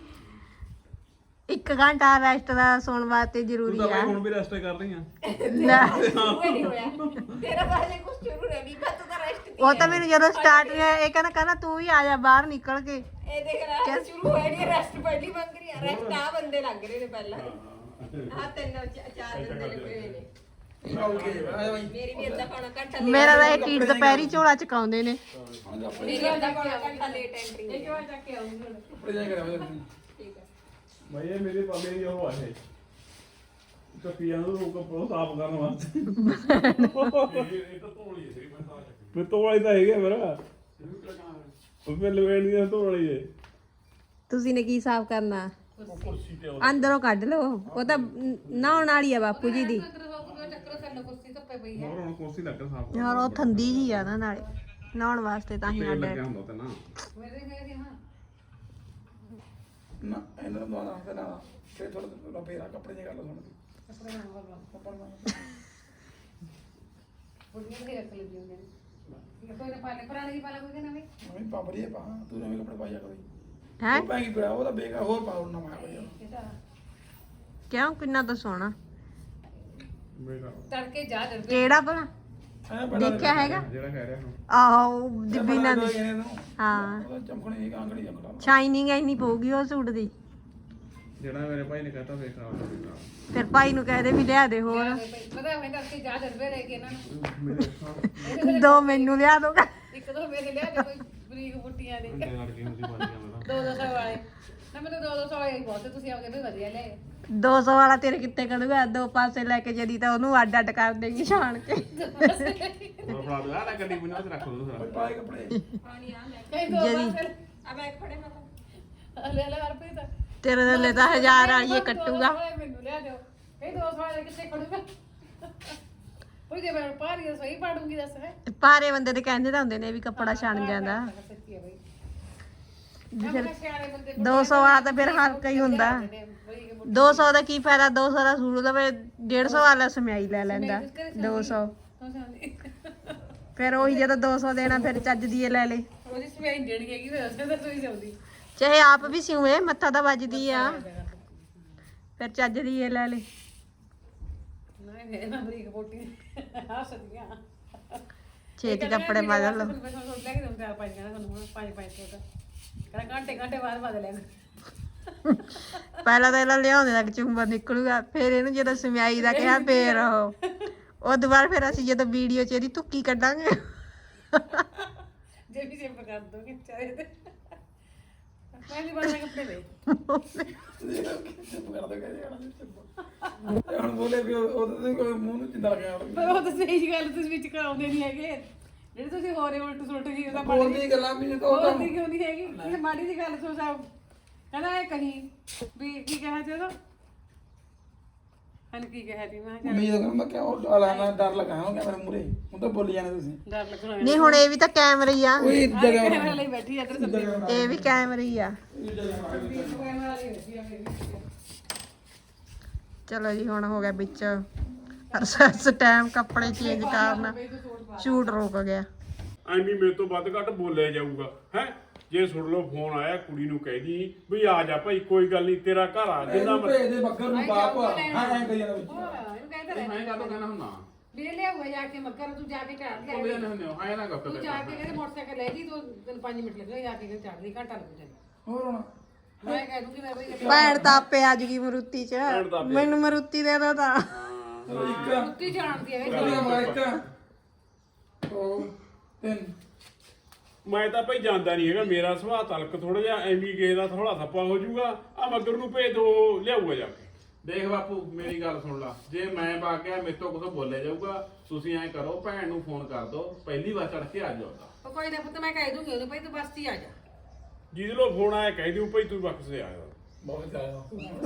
Speaker 5: ਇੱਕ ਘੰਟਾ ਰੈਸਟ ਦਾ ਸੌਣ ਵਾਸਤੇ ਜ਼ਰੂਰੀ ਆ
Speaker 4: ਹੁਣ ਵੀ ਰੈਸਟ ਕਰ ਰਹੀ ਆ
Speaker 5: ਲੈ,
Speaker 6: ਨਹੀਂ ਹੋਇਆ ਤੇਰਾ ਬਾਰੇ ਕੁਝ ਸ਼ੁਰੂ ਰਹਿ ਵੀ ਮੈਂ ਤਾਂ ਰੈਸਟ
Speaker 5: ਉਹ ਤਾਂ ਮੈਨੂੰ ਜਦੋਂ ਸਟਾਰਟ ਹੋਇਆ ਇਹ ਕਹਿੰਦਾ ਕਹਿੰਦਾ ਤੂੰ ਵੀ ਆ ਜਾ ਬਾਹਰ ਨਿਕਲ ਕੇ
Speaker 6: ਇਹ ਦੇਖ ਰੈਸਟ ਸ਼ੁਰੂ ਹੋਇਆ ਨਹੀਂ ਰੈਸਟ ਪਹਿਲੀ ਮੰਗ ਰਹੀ ਆ ਰੈਸਟ ਆ ਬੰਦੇ ਲੱਗ ਰਹੇ ਨੇ ਪਹਿਲਾਂ ਆ ਤਿੰਨ ਚ- ਚਾਰ ਬੰਦੇ ਲੱਗੇ ਹੋਏ ਨੇ ਮੇਰੀ ਵੀ ਅੱਧਾ ਪੌਣਾ ਘੰਟਾ late-
Speaker 5: ਮੇਰਾ ਤਾਂ ਇਹ ਟੀਟ ਦੁਪਹਿਰੀ ਝੋਲਾ ਚਕਾਉਂਦੇ ਨੇ
Speaker 6: ਮੇਰੀ ਅੱਧਾ ਪੌਣਾ ਘੰਟਾ ਲੇਟ ਐਂਟਰੀ
Speaker 3: ਇਹ ਕਿਉਂ ਚੱਕ ਕੇ ਆਉਂਦੀ ਹੁਣ
Speaker 2: ਕੱਪੜੇ ਜਾ ਕੇ ਰਹਿ
Speaker 6: ਠੀਕ ਹੈ
Speaker 1: ਭਾਈ ਇਹ ਮੇਰੇ ਪਾਪੇ ਦੀ ਉਹ ਆਏ ਕੱਪੀਆਂ ਨੂੰ ਰੋਕ ਕੇ ਸਾਫ ਕਰਨ ਵਾਸਤੇ ਇਹ ਤਾਂ ਧੋਣੀ ਹੈ ਮੈਂ ਤਾਂ ਫਿਰ ਧੋਣੀ ਤਾਂ ਹੈਗੇ ਮੇਰਾ ਉਹ ਫਿਰ ਲਵੇਣੀ ਦਾ ਧੋਣੀ ਹੈ
Speaker 5: ਤੁਸੀਂ ਨੇ ਕੀ ਸਾਫ਼ ਕਰਨਾ
Speaker 1: ਕੁਰਸੀ ਤੇ
Speaker 5: ਅੰਦਰੋਂ ਕੱਢ ਲਓ ਉਹ ਤਾਂ ਨਹਾਉਣ ਵਾਲੀ ਆ ਬਾਪੂ ਜੀ ਦੀ
Speaker 3: ਚੱਕਰ ਥੱਲੇ ਕੁਰਸੀ ਧੱਪੇ ਪਈ ਹੈ
Speaker 4: ਹੋਰ ਹੁਣ ਕੁਰਸੀ ਲੱਗ ਸਾਫ
Speaker 5: ਯਾਰ ਉਹ ਥੰਦੀ ਜੀ ਆ ਨਾ ਨਾਲੇ ਨਹਾਉਣ ਵਾਸਤੇ ਤਾਂ ਹੀ
Speaker 4: ਤੇਲ
Speaker 5: ਅੱਡ
Speaker 4: ਲੱਗਿਆ ਹੁੰਦਾ ਤੇ ਨਾ
Speaker 3: ਮੇਰੇ ਮੇਰੇ ਹਾਂ
Speaker 2: ਨਾ ਇਹਨਾਂ ਨੂੰ ਨਾ ਤੇ ਨਾ ਫਿਰ ਥੋੜਾ ਫੇਰਾ ਕੱਪੜੇ ਦੀ ਗੱਲ ਸੁਣਦੀ
Speaker 3: ਕੱਪੜੇ ਨਾਲ ਬੋਲਵਾ
Speaker 2: ਕੱਪੜੇ ਨਾਲ
Speaker 3: ਬੁੜੀਆਂ ਦੇ ਰੱਖ ਲਈ ਹੁੰਦੇ ਨੇ ਕੋਈ ਨਾ ਪਾਲੇ ਪੁਰਾਣੀ ਦੀ ਪਾਲਾ ਕੋਈ ਨਾ ਵੀ
Speaker 2: ਮੈਂ ਪਾਪੜੀ ਪਾ ਤੂੰ ਨਵੇਂ ਕੱਪੜੇ ਪਾਇਆ ਕਰੀ
Speaker 5: ਹੈ
Speaker 2: ਉਹ ਪੈਂਗੀ ਪਿਆ ਉਹ ਤਾਂ ਬੇਕਾਰ ਹੋਰ ਪਾ ਉਹਨਾਂ ਮੈਂ ਕੋਈ
Speaker 3: ਇਹਦਾ
Speaker 5: ਕਿਉਂ ਕਿੰਨਾ ਤਾਂ ਸੋਹਣਾ
Speaker 4: ਮੇਰਾ
Speaker 3: ਤੜਕੇ ਜਾ ਦਰ
Speaker 5: ਕਿਹੜਾ ਭਲਾ
Speaker 2: ਐ ਬੜਾ
Speaker 5: ਦੇਖਿਆ ਹੈਗਾ
Speaker 4: ਜਿਹੜਾ ਕਹਿ ਰਿਹਾ ਹੁਣ
Speaker 5: ਆਹੋ ਦਿਬੀਨਾ ਦੀ
Speaker 2: ਇਹਨੇ
Speaker 5: ਹਾਂ
Speaker 2: ਉਹਦਾ ਚਮਕਣੀ ਦੀ ਕਾਂਗੜੀ ਚਮਕਦਾ
Speaker 5: ਸ਼ਾਈਨਿੰਗ ਇੰਨੀ ਪਊਗੀ ਉਹ ਸੂਟ ਦੀ
Speaker 4: ਜਿਹੜਾ ਮੇਰੇ ਭਾਈ ਨੇ ਕਹਤਾ ਵੇਖ ਆਉਂਦਾ ਵੇਖਾ
Speaker 5: ਫਿਰ ਭਾਈ ਨੂੰ ਕਹਿ ਦੇ ਵੀ ਲਿਆ ਦੇ ਹੋਰ
Speaker 3: ਪਤਾ ਮੈਂ ਤੜਕੇ ਜਾ ਦਰ ਲੈ ਕੇ ਇਹਨਾਂ ਨੂੰ
Speaker 5: ਦੋ ਮੈਨੂੰ ਲਿਆ ਦੋਗਾ
Speaker 3: ਇੱਕ ਦੋ ਮੇਰੇ ਲਿਆ ਦੇ ਕੋਈ ਬਰੀਕ ਬੁੱਟੀਆਂ ਦੇ
Speaker 4: ਘੰਟੇ ਲੜ ਕੇ ਹੁੰਦੀ ਬਣ ਗਿਆ ਮੇਰਾ
Speaker 3: ਦੋ ਦੋ ਸੌ ਵਾਲੇ ਨਾ ਮੈਨੂੰ ਦੋ ਦੋ ਸੌ ਵਾਲੇ ਹੀ ਬਹੁਤ ਹੈ, ਤੁਸੀਂ ਆਪਦੇ ਵੀ ਵਧੀਆ ਲਿਆਏ
Speaker 5: ਦੋ ਸੌ ਵਾਲਾ ਤੇਰੇ ਕਿੱਥੇ ਕਰੂਗਾ ਦੋ ਪਾਸੇ ਲੈ ਕੇ ਜਦੀ ਤਾਂ ਉਹਨੂੰ ਅੱਡ ਅੱਡ ਕਰ ਦੇਗੀ ਛਾਣ ਕੇ
Speaker 4: ਉਹ ਫੜਾ ਦੇ ਆ ਗੱਡੀ ਬਣਾ ਕੇ ਰੱਖ ਦੋ ਦੂਸਰਾ
Speaker 2: ਪਾਏ ਕੱਪੜੇ
Speaker 6: ਪਾਣੀ ਆ ਲੈ
Speaker 3: ਕਈ ਦੋ
Speaker 5: ਜਿਹੜੀ-
Speaker 3: ਪਾਸੇ
Speaker 6: ਆ ਬੈਗ ਫੜੇ ਮੈਂ
Speaker 3: ਲੈ ਲੈ ਹਰਪ੍ਰੀਤ ਤਾਂ
Speaker 5: ਤੇਰੇ ਥੱਲੇ ਤਾਂ ਹਜ਼ਾਰ ਵਾਲੀਏ ਕੱਟੂਗਾ
Speaker 3: ਮੈਨੂੰ ਲਿਆ ਦਿਓ ਕਈ ਦੋ ਸੌ ਵਾਲੇ ਕਿੱਥੇ ਖੜੂਗਾ ਉਹ ਜੇ ਮੈਂ ਪਾਰੀ ਸਹੀ ਪਾੜੂੰਗੀ ਦੱਸ ਹੈ
Speaker 5: ਭਾਰੇ ਬੰਦੇ ਤੇ ਕਹਿੰਦੇ ਤਾਂ ਹੁੰਦੇ ਨੇ ਵੀ ਕੱਪੜਾ ਛਣ ਜਾਂਦਾ
Speaker 3: ਸੱਚੀ ਹੈ ਬਈ
Speaker 5: ਫਿਰ
Speaker 3: ਮੈਂ ਸਿਆਣੇ ਬੰਦੇ
Speaker 5: ਦੋ ਸੌ ਵਾਲਾ ਤਾਂ ਫਿਰ ਹਲਕਾ ਹੀ ਹੁੰਦਾ ਦੋ ਸੌ ਦਾ ਕੀ ਫਾਇਦਾ ਦੋ ਸੌ ਦਾ ਸੂਟ ਲਵੇ ਡੇਢ ਸੌ ਵਾਲਾ ਸਮਿਆਈ ਲੈ ਲੈਂਦਾ ਦੋ ਸੌ ਫਿਰ ਉਹੀ ਜਦੋਂ ਦੋ ਸੌ ਦੇਣਾ ਫਿਰ ਚੱਜ ਦੀ ਇਹ ਲੈ ਲੇ
Speaker 3: ਉਹਦੀ ਸਵਾਈ ਦੇਣੀ ਹੈਗੀ ਫਿਰ ਉਸੇ ਤਾਂ ਤੁਸੀਂ ਜਾਉਂਦੀ
Speaker 5: ਚਾਹੇ ਆਪ ਵੀ ਸਿਉਏ ਮੱਥਾ ਤਾਂ ਵੱਜਦੀ ਆ ਫਿਰ ਚੱਜ ਦੀ ਇਹ ਲੈ ਲੇ
Speaker 3: ਨਹੀਂ ਨਾ ਬਰੀਕ ਬੋਟੀ ਹੱਸਦੀਆਂ
Speaker 5: ਛੇਤੀ ਕੱਪੜੇ ਬਦਲ ਲਓ
Speaker 3: ਮੈਂ ਤੁਹਾਨੂੰ ਲੈ ਕੇ ਦਊਂ ਪੰਜ ਜਣਾ ਤੁਹਾਨੂੰ ਪੰਜ ਪੰਜ ਸੌ ਦਾ ਕਹਿੰਦਾ ਘੰਟੇ ਘੰਟੇ ਬਾਅਦ ਬਦਲ ਲੈਣਾ
Speaker 5: ਪਹਿਲਾਂ ਤਾਂ ਇਹਨਾਂ ਲਿਆਉਂਦੇ ਤੱਕ ਚੁੰਬਰ ਨਿਕਲੂਗਾ ਫਿਰ ਇਹਨੂੰ ਜਦੋਂ ਸਮਿਆਈ ਦਾ ਕਿਹਾ ਫੇਰ ਉਹ ਉਹ ਦੁਬਾਰਾ ਫਿਰ ਅਸੀਂ ਜਦੋਂ ਵੀਡੀਓ 'ਚ ਇਹਦੀ ਧੁੱਕੀ ਕੱਢਾਂਗੇ
Speaker 3: ਜੇ ਵੀ ਸਿੰਪ ਕਰ ਦੋਗੇ ਚਾਹੇ ਤੇ ਮੈਂ ਵੀ ਬਣਾ ਕੱਪੜੇ ਵੇ
Speaker 2: ਚੁੱਪ ਕਰ ਦੇ ਕਹਿੰਦੇ ਹੁਣ ਬੋਲੇ ਵੀ ਉਹਦੇ ਕੋਈ ਮੂੰਹ ਨੂੰ ਚਿੰਦਾ ਗਿਆ
Speaker 3: ਪਰ ਉਹ ਤਾਂ ਸਹੀ ਗੱਲ ਤੁਸੀਂ ਵਿੱਚ ਕਰਾਉਂਦੇ ਨਹੀਂ ਹੈਗੇ ਜਿਹੜੇ ਤੁਸੀਂ ਹੋਰੇ ਉਲਟ ਸੁਲਟ ਗਈ ਉਹਦਾ
Speaker 2: ਬੋਲਦੀ ਗੱਲਾਂ ਵੀ ਨਹੀਂ ਤਾਂ ਉਹ ਤਾਂ
Speaker 3: ਬੋਲਦੀ ਕਿਉਂ ਨਹੀਂ ਹੈਗੀ ਇਹ ਮਾੜੀ ਦੀ ਗੱਲ ਸੋ ਸਾਹਿਬ ਕਹਿੰਦਾ ਇਹ ਕਹੀਂ ਵੀ ਕੀ ਕਹਿਆ ਤੇ ਉਹਦਾ ਹਨ ਕੀ ਕਹਿਆ ਤੀ ਮੈਂ ਕਿਹਾ
Speaker 2: ਉਮੀਦ ਕਰ ਮੈਂ ਕਿਹਾ ਉਹ ਆਲਾਨਾ ਡਰ ਲਗਾਇਆ ਹੋ ਗਿਆ ਮੇਰੇ ਮੂਰੇ ਹੁਣ ਤਾਂ ਬੋਲੀ ਜਾਂਦੇ ਤੁਸੀਂ
Speaker 3: ਡਰ ਲੱਗਣਾ
Speaker 5: ਨਹੀਂ ਹੁਣ ਇਹ ਵੀ ਤਾਂ ਕੈਮਰੇ ਹੀ ਆ
Speaker 2: ਕੋਈ ਜਗ੍ਹਾ
Speaker 3: ਕੈਮਰਾ ਲਈ ਬੈਠੀ ਆ ਇੱਧਰ ਸੱਤੇ
Speaker 5: ਇਹ ਵੀ ਕੈਮਰੇ ਹੀ ਆ
Speaker 3: ਕੈਮਰਾ ਲਈ ਬੈਠੀ ਆ ਮੇਰੀ
Speaker 5: ਚਲੋ ਜੀ ਹੁਣ ਹੋ ਗਿਆ ਵਿੱਚ ਰਸੈਸ ਟਾਈਮ ਕੱਪੜੇ ਚੇਂਜ ਕਰਨਾ ਸ਼ੂਟ ਰੁਕ ਗਿਆ
Speaker 1: ਐਵੇਂ ਮੇਰੇ ਤੋਂ ਵੱਧ ਘੱਟ ਬੋਲਿਆ ਜਾਊਗਾ ਹੈ ਜੇ ਸੁਣ ਲਓ ਫੋਨ ਆਇਆ ਕੁੜੀ ਨੂੰ ਕਹਿਦੀ ਵੀ ਆ ਜਾ ਭਾਈ ਕੋਈ ਗੱਲ ਨਹੀਂ ਤੇਰਾ ਘਰ ਆ ਜਿੰਨਾ
Speaker 2: ਇਹਨੂੰ ਭੇਜ ਦੇ ਬੱਕਰ ਨੂੰ ਬਾਪ ਹਾਂ ਐਂ ਕਰੀ ਜਾਂਦਾ ਵਿੱਚ
Speaker 3: ਹੋਰ ਇਹਨੂੰ ਕਹਿੰਦਾ ਰਹਿ
Speaker 4: ਮੈਂ ਕਾਹਤੋਂ ਕਹਿਣਾ ਹੁੰਦਾ
Speaker 3: ਵੀ ਇਹ ਲਿਆ ਹੋਇਆ ਜਾ ਕੇ ਮੱਕਰ ਤੂੰ ਜਾ ਕੇ ਚੜ੍ਹ
Speaker 4: ਉਹ
Speaker 3: ਲਿਆ
Speaker 4: ਵੀ ਹੁੰਦੇ ਹੋ ਹਾਂ ਨਾ ਗੱਪ
Speaker 3: ਤੂੰ ਜਾ ਕੇ ਕਹਿੰਦੇ ਮੋਟਰਸਾਈਕਲ ਲੈ ਜੀ ਤੂੰ ਤੈਨੂੰ ਪੰਜ ਮਿੰਟ ਲੱਗਣੇ ਜਾ ਕੇ ਚੜ੍ਹ ਲਈ ਘੰਟਾ ਲੱਗ ਜਾਣਾ
Speaker 2: ਹੋਰ ਹੁਣ
Speaker 3: ਮੈਂ ਕਹਿ ਦੂੰਗੀ ਮੈਂ ਬਈ
Speaker 5: ਭੈਣ ਤਾਂ ਆਪੇ ਆ ਜੂਗੀ ਮਰੂਤੀ 'ਚ ਮੈਨੂੰ ਮਰੂਤੀ ਦੇ ਦੋ ਤਾਂ
Speaker 2: ਚਲੋ ਇੱਕ
Speaker 3: ਕੁੱਤੀ ਜਾਣਦੀ ਹੈ
Speaker 2: ਕਰੀਏ ਮਾ ਇੱਕ ਦੋ ਤਿੰਨ
Speaker 1: ਮੈਂ ਤਾਂ ਭਾਈ ਜਾਂਦਾ ਨਹੀਂ ਹੈਗਾ ਮੇਰਾ ਸੁਭਾਅ ਤਲਕ ਥੋੜਾ ਜਿਹਾ ਐਵੇਂ ਕਿਸੇ ਦਾ ਥੋੜਾ ਥੱਪਾ ਹੋ ਜਾਊਗਾ ਆ ਮਗਰ ਨੂੰ ਭੇਜ ਦੋ ਲਿਆਊਗਾ ਜਾ ਕੇ
Speaker 4: ਦੇਖ ਬਾਪੂ ਮੇਰੀ ਗੱਲ ਸੁਣ ਲਾ ਜੇ ਮੈਂ ਵਗ ਗਿਆ ਮੇਰੇ ਤੋਂ ਕੁਝ ਬੋਲਿਆ ਜਾਊਗਾ ਤੁਸੀਂ ਐਂ ਕਰੋ ਭੈਣ ਨੂੰ ਫੋਨ ਕਰ ਦਿਓ ਪਹਿਲੀ ਵਾਰ ਚੜ ਕੇ ਆ ਜਾਓ
Speaker 3: ਉਹ ਕੋਈ ਨਾ ਪੁੱਤ ਮੈਂ ਕਹਿ ਦੂੰਗੀ ਉਹਨੂੰ ਭਾਈ ਤੂੰ ਬਸ ਹੀ ਆ ਜਾ
Speaker 1: ਜਿਹਦੇ ਲੋ ਫੋਨ ਆਇਆ ਕਹਿ ਦਿਓ ਭਾਈ ਤੂੰ ਬਖਸ਼ ਦੇ ਆਇਆ
Speaker 2: ਬਹੁਤ ਜ਼ਿਆਦਾ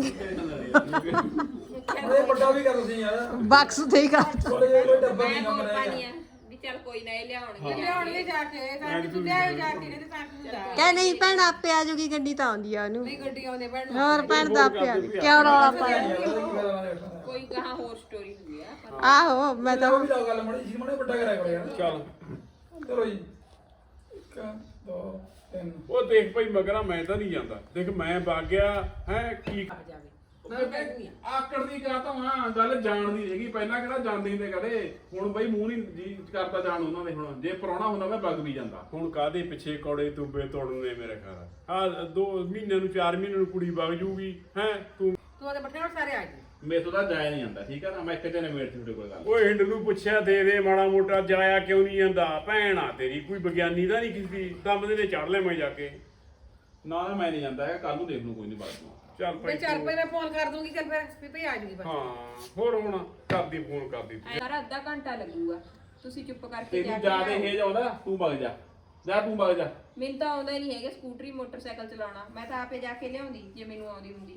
Speaker 2: ਅਰੇ ਵੱਡਾ ਵੀ ਕਰ ਤੁਸੀਂ ਯਾਰ
Speaker 5: ਬਾਕਸ ਤੇ ਹੀ ਕਰ
Speaker 2: ਥੋੜੇ ਜਿਹਾ ਕੋਈ ਡੱਬਾ
Speaker 6: ਮੈਂ
Speaker 2: ਨਹੀਂ
Speaker 6: ਹੋਰ
Speaker 2: ਕੰਮ ਰਹਿ
Speaker 6: ਪਾਣੀ ਆ ਵੀ ਚੱਲ ਕੋਈ ਨਾ ਇਹ ਲਿਆਉਣਗੇ
Speaker 3: ਲਿਆਉਣਗੇ ਜਾ ਕੇ ਤਾਂ ਕਿ ਤੂੰ ਲਿਆਇਓ ਜਾ ਕੇ ਕਹਿੰਦੇ ਤਾਂ ਕਿ ਤੂੰ ਜਾ
Speaker 5: ਕਹਿ ਨਹੀਂ ਭੈਣ ਆਪੇ ਆ ਜੂਗੀ ਗੱਡੀ ਤਾਂ ਆਉਂਦੀ ਆ ਉਹਨੂੰ
Speaker 3: ਨਹੀਂ ਗੱਡੀ ਆਉਂਦੇ ਭੈਣ ਨੂੰ
Speaker 5: ਹੋਰ ਭੈਣ ਤਾਂ ਆਪੇ ਆ ਜੂ ਕਿਉਂ ਰੌਲਾ ਪਾਇਆ
Speaker 6: ਕੋਈ ਕਹਾ ਹੋਰ ਸਟੋਰੀ ਹੁੰਦੀ ਆ ਪਰ
Speaker 5: ਆਹੋ ਮੈਂ ਤਾਂ
Speaker 2: ਉਹ ਵੀ ਤਾਂ ਗੱਲ ਮੜੀ ਜੀ ਮੜੇ ਵੱਡਾ ਕਰਿਆ ਕਰੋ ਯਾਰ
Speaker 1: ਚੱਲ
Speaker 2: ਚਲੋ ਜੀ ਇੱਕ ਦੋ ਤਿੰਨ
Speaker 1: ਉਹ ਦੇਖ ਭਾਈ ਮਗਰਾ ਮੈਂ ਤਾਂ ਨਹੀਂ ਜਾਂਦਾ ਦੇਖ ਮੈਂ ਵਗ ਗਿਆ ਹੈ ਕੀ
Speaker 3: ਆ ਜਾਵੇ ਮੈਂ ਕਹਿ ਦੂੰਗੀ
Speaker 4: ਆਕੜ ਦੀ ਕਾ ਤਾਂ ਹਾਂ ਗੱਲ ਜਾਣਦੀ ਹੈਗੀ ਪਹਿਲਾਂ ਕਿਹੜਾ ਜਾਂਦੇ ਹੁੰਦੇ ਕਦੇ ਹੁਣ ਬਈ ਮੂੰਹ ਨਹੀਂ ਜੀ ਕਰਦਾ ਜਾਣ ਉਹਨਾਂ ਦੇ ਹੁਣ ਜੇ ਪ੍ਰਾਹੁਣਾ ਹੁੰਦਾ ਮੈਂ ਵਗ ਵੀ ਜਾਂਦਾ
Speaker 1: ਹੁਣ ਕਾਦੇ ਪਿੱਛੇ ਕੌੜੇ ਤੁੰਬੇ ਤੋੜਨੇ ਮੇਰੇ ਘਰ ਆ ਦੋ ਮਹੀਨੇ ਨੂੰ ਚਾਰ ਮਹੀਨੇ ਨੂੰ ਕੁੜੀ ਵਗ ਜੂਗੀ ਹੈ ਤੂੰ
Speaker 3: ਤੂੰ ਉਹਦੇ ਬੱਠੇ ਨਾਲ ਸਾਰੇ ਆ ਜੀ
Speaker 4: ਮੇਰੇ ਤੋਂ ਤਾਂ ਜਾਇਆ ਨਹੀਂ ਜਾਂਦਾ ਠੀਕ ਆ ਨਾ ਮੈਂ ਇੱਕ ਜਣੇ ਮੇਰ ਤੁਹਾਡੇ ਕੋਲ ਗੱਲ
Speaker 1: ਓਏ ਹਿੰਡ ਨੂੰ ਪੁੱਛਿਆ ਦੇ ਦੇ ਮਾੜਾ ਮੋਟਾ ਜਾਇਆ ਕਿਉਂ ਨਹੀਂ ਜਾਂਦਾ ਭੈਣ ਆ ਤੇਰੀ ਕੋਈ ਵਿਗਿਆਨੀ ਤਾਂ ਨਹੀਂ ਕਿਸੇ ਦਮ ਦੇ ਨੇ ਚੜ ਲੈ ਮੈਂ ਜਾ ਕੇ
Speaker 4: ਨਾ ਨਾ ਮੈਂ ਨਹੀਂ ਜਾਂਦਾ ਹੈਗਾ ਕੱਲ ਨੂੰ ਦੇਖ ਲੂ ਕੋਈ ਨਹੀਂ ਬਾਅਦ ਨੂੰ
Speaker 1: ਚੱਲ
Speaker 3: ਮੈਂ
Speaker 1: ਭਾਈ
Speaker 3: ਚੱਲ ਪਈ ਮੈਂ ਫੋਨ ਕਰ ਦੂੰਗੀ ਚੱਲ ਫਿਰ ਵੀ ਭਈ ਆ ਜੂਗੀ ਬਸ
Speaker 1: ਹਾਂ ਹੋਰ ਹੁਣ ਕਰਦੀ ਫੋਨ ਕਰਦੀ
Speaker 6: ਸਾਰਾ ਅੱਧਾ ਘੰਟਾ ਲੱਗੂਗਾ ਤੁਸੀਂ ਚੁੱਪ ਕਰਕੇ
Speaker 4: ਤੇਰੀ
Speaker 6: ਜਾ
Speaker 4: ਜਾ
Speaker 6: ਕੇ
Speaker 4: ਦੇ ਇਹ ਜਾਉਂਦਾ ਤੂੰ ਵਗ ਜਾ ਜਾ ਤੂੰ ਵਗ ਜਾ
Speaker 6: ਮੈਨੂੰ ਤਾਂ ਆਉਂਦਾ ਹੀ ਨਹੀਂ ਹੈਗਾ ਸਕੂਟਰੀ ਮੋਟਰਸਾਈਕਲ ਚਲਾਉਣਾ ਮੈਂ ਤਾਂ ਆਪੇ ਜਾ ਕੇ ਲਿਆਉਂਦੀ ਜੇ ਮੈਨੂੰ ਆਉਂਦੀ ਹੁੰਦੀ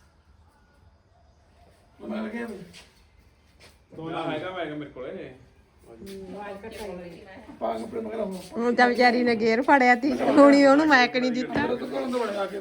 Speaker 2: ਮੈਂ ਲੱਗਿਆ ਵੀ
Speaker 4: ਦੋਨਾ ਹੈਗਾ ਮੈਂ ਮੇਰੇ ਕੋਲੇ
Speaker 3: ਆਵਾਜ਼ ਕੱਟ ਆਈ
Speaker 2: ਪਾ ਕੱਪੜੇ ਮਗਰ ਹੋ
Speaker 5: ਹੁਣ ਤਾਂ ਵਿਚਾਰੀ ਨੇ ਗੇਰ ਫੜਿਆ ਤੀ ਹੁਣੀ ਉਹਨੂੰ ਮੈਕ ਨਹੀਂ ਦਿੱਤਾ
Speaker 2: ਮੇਰੇ ਤੋਂ ਕੋਲੋਂ ਬੜੇ ਆ ਕੇ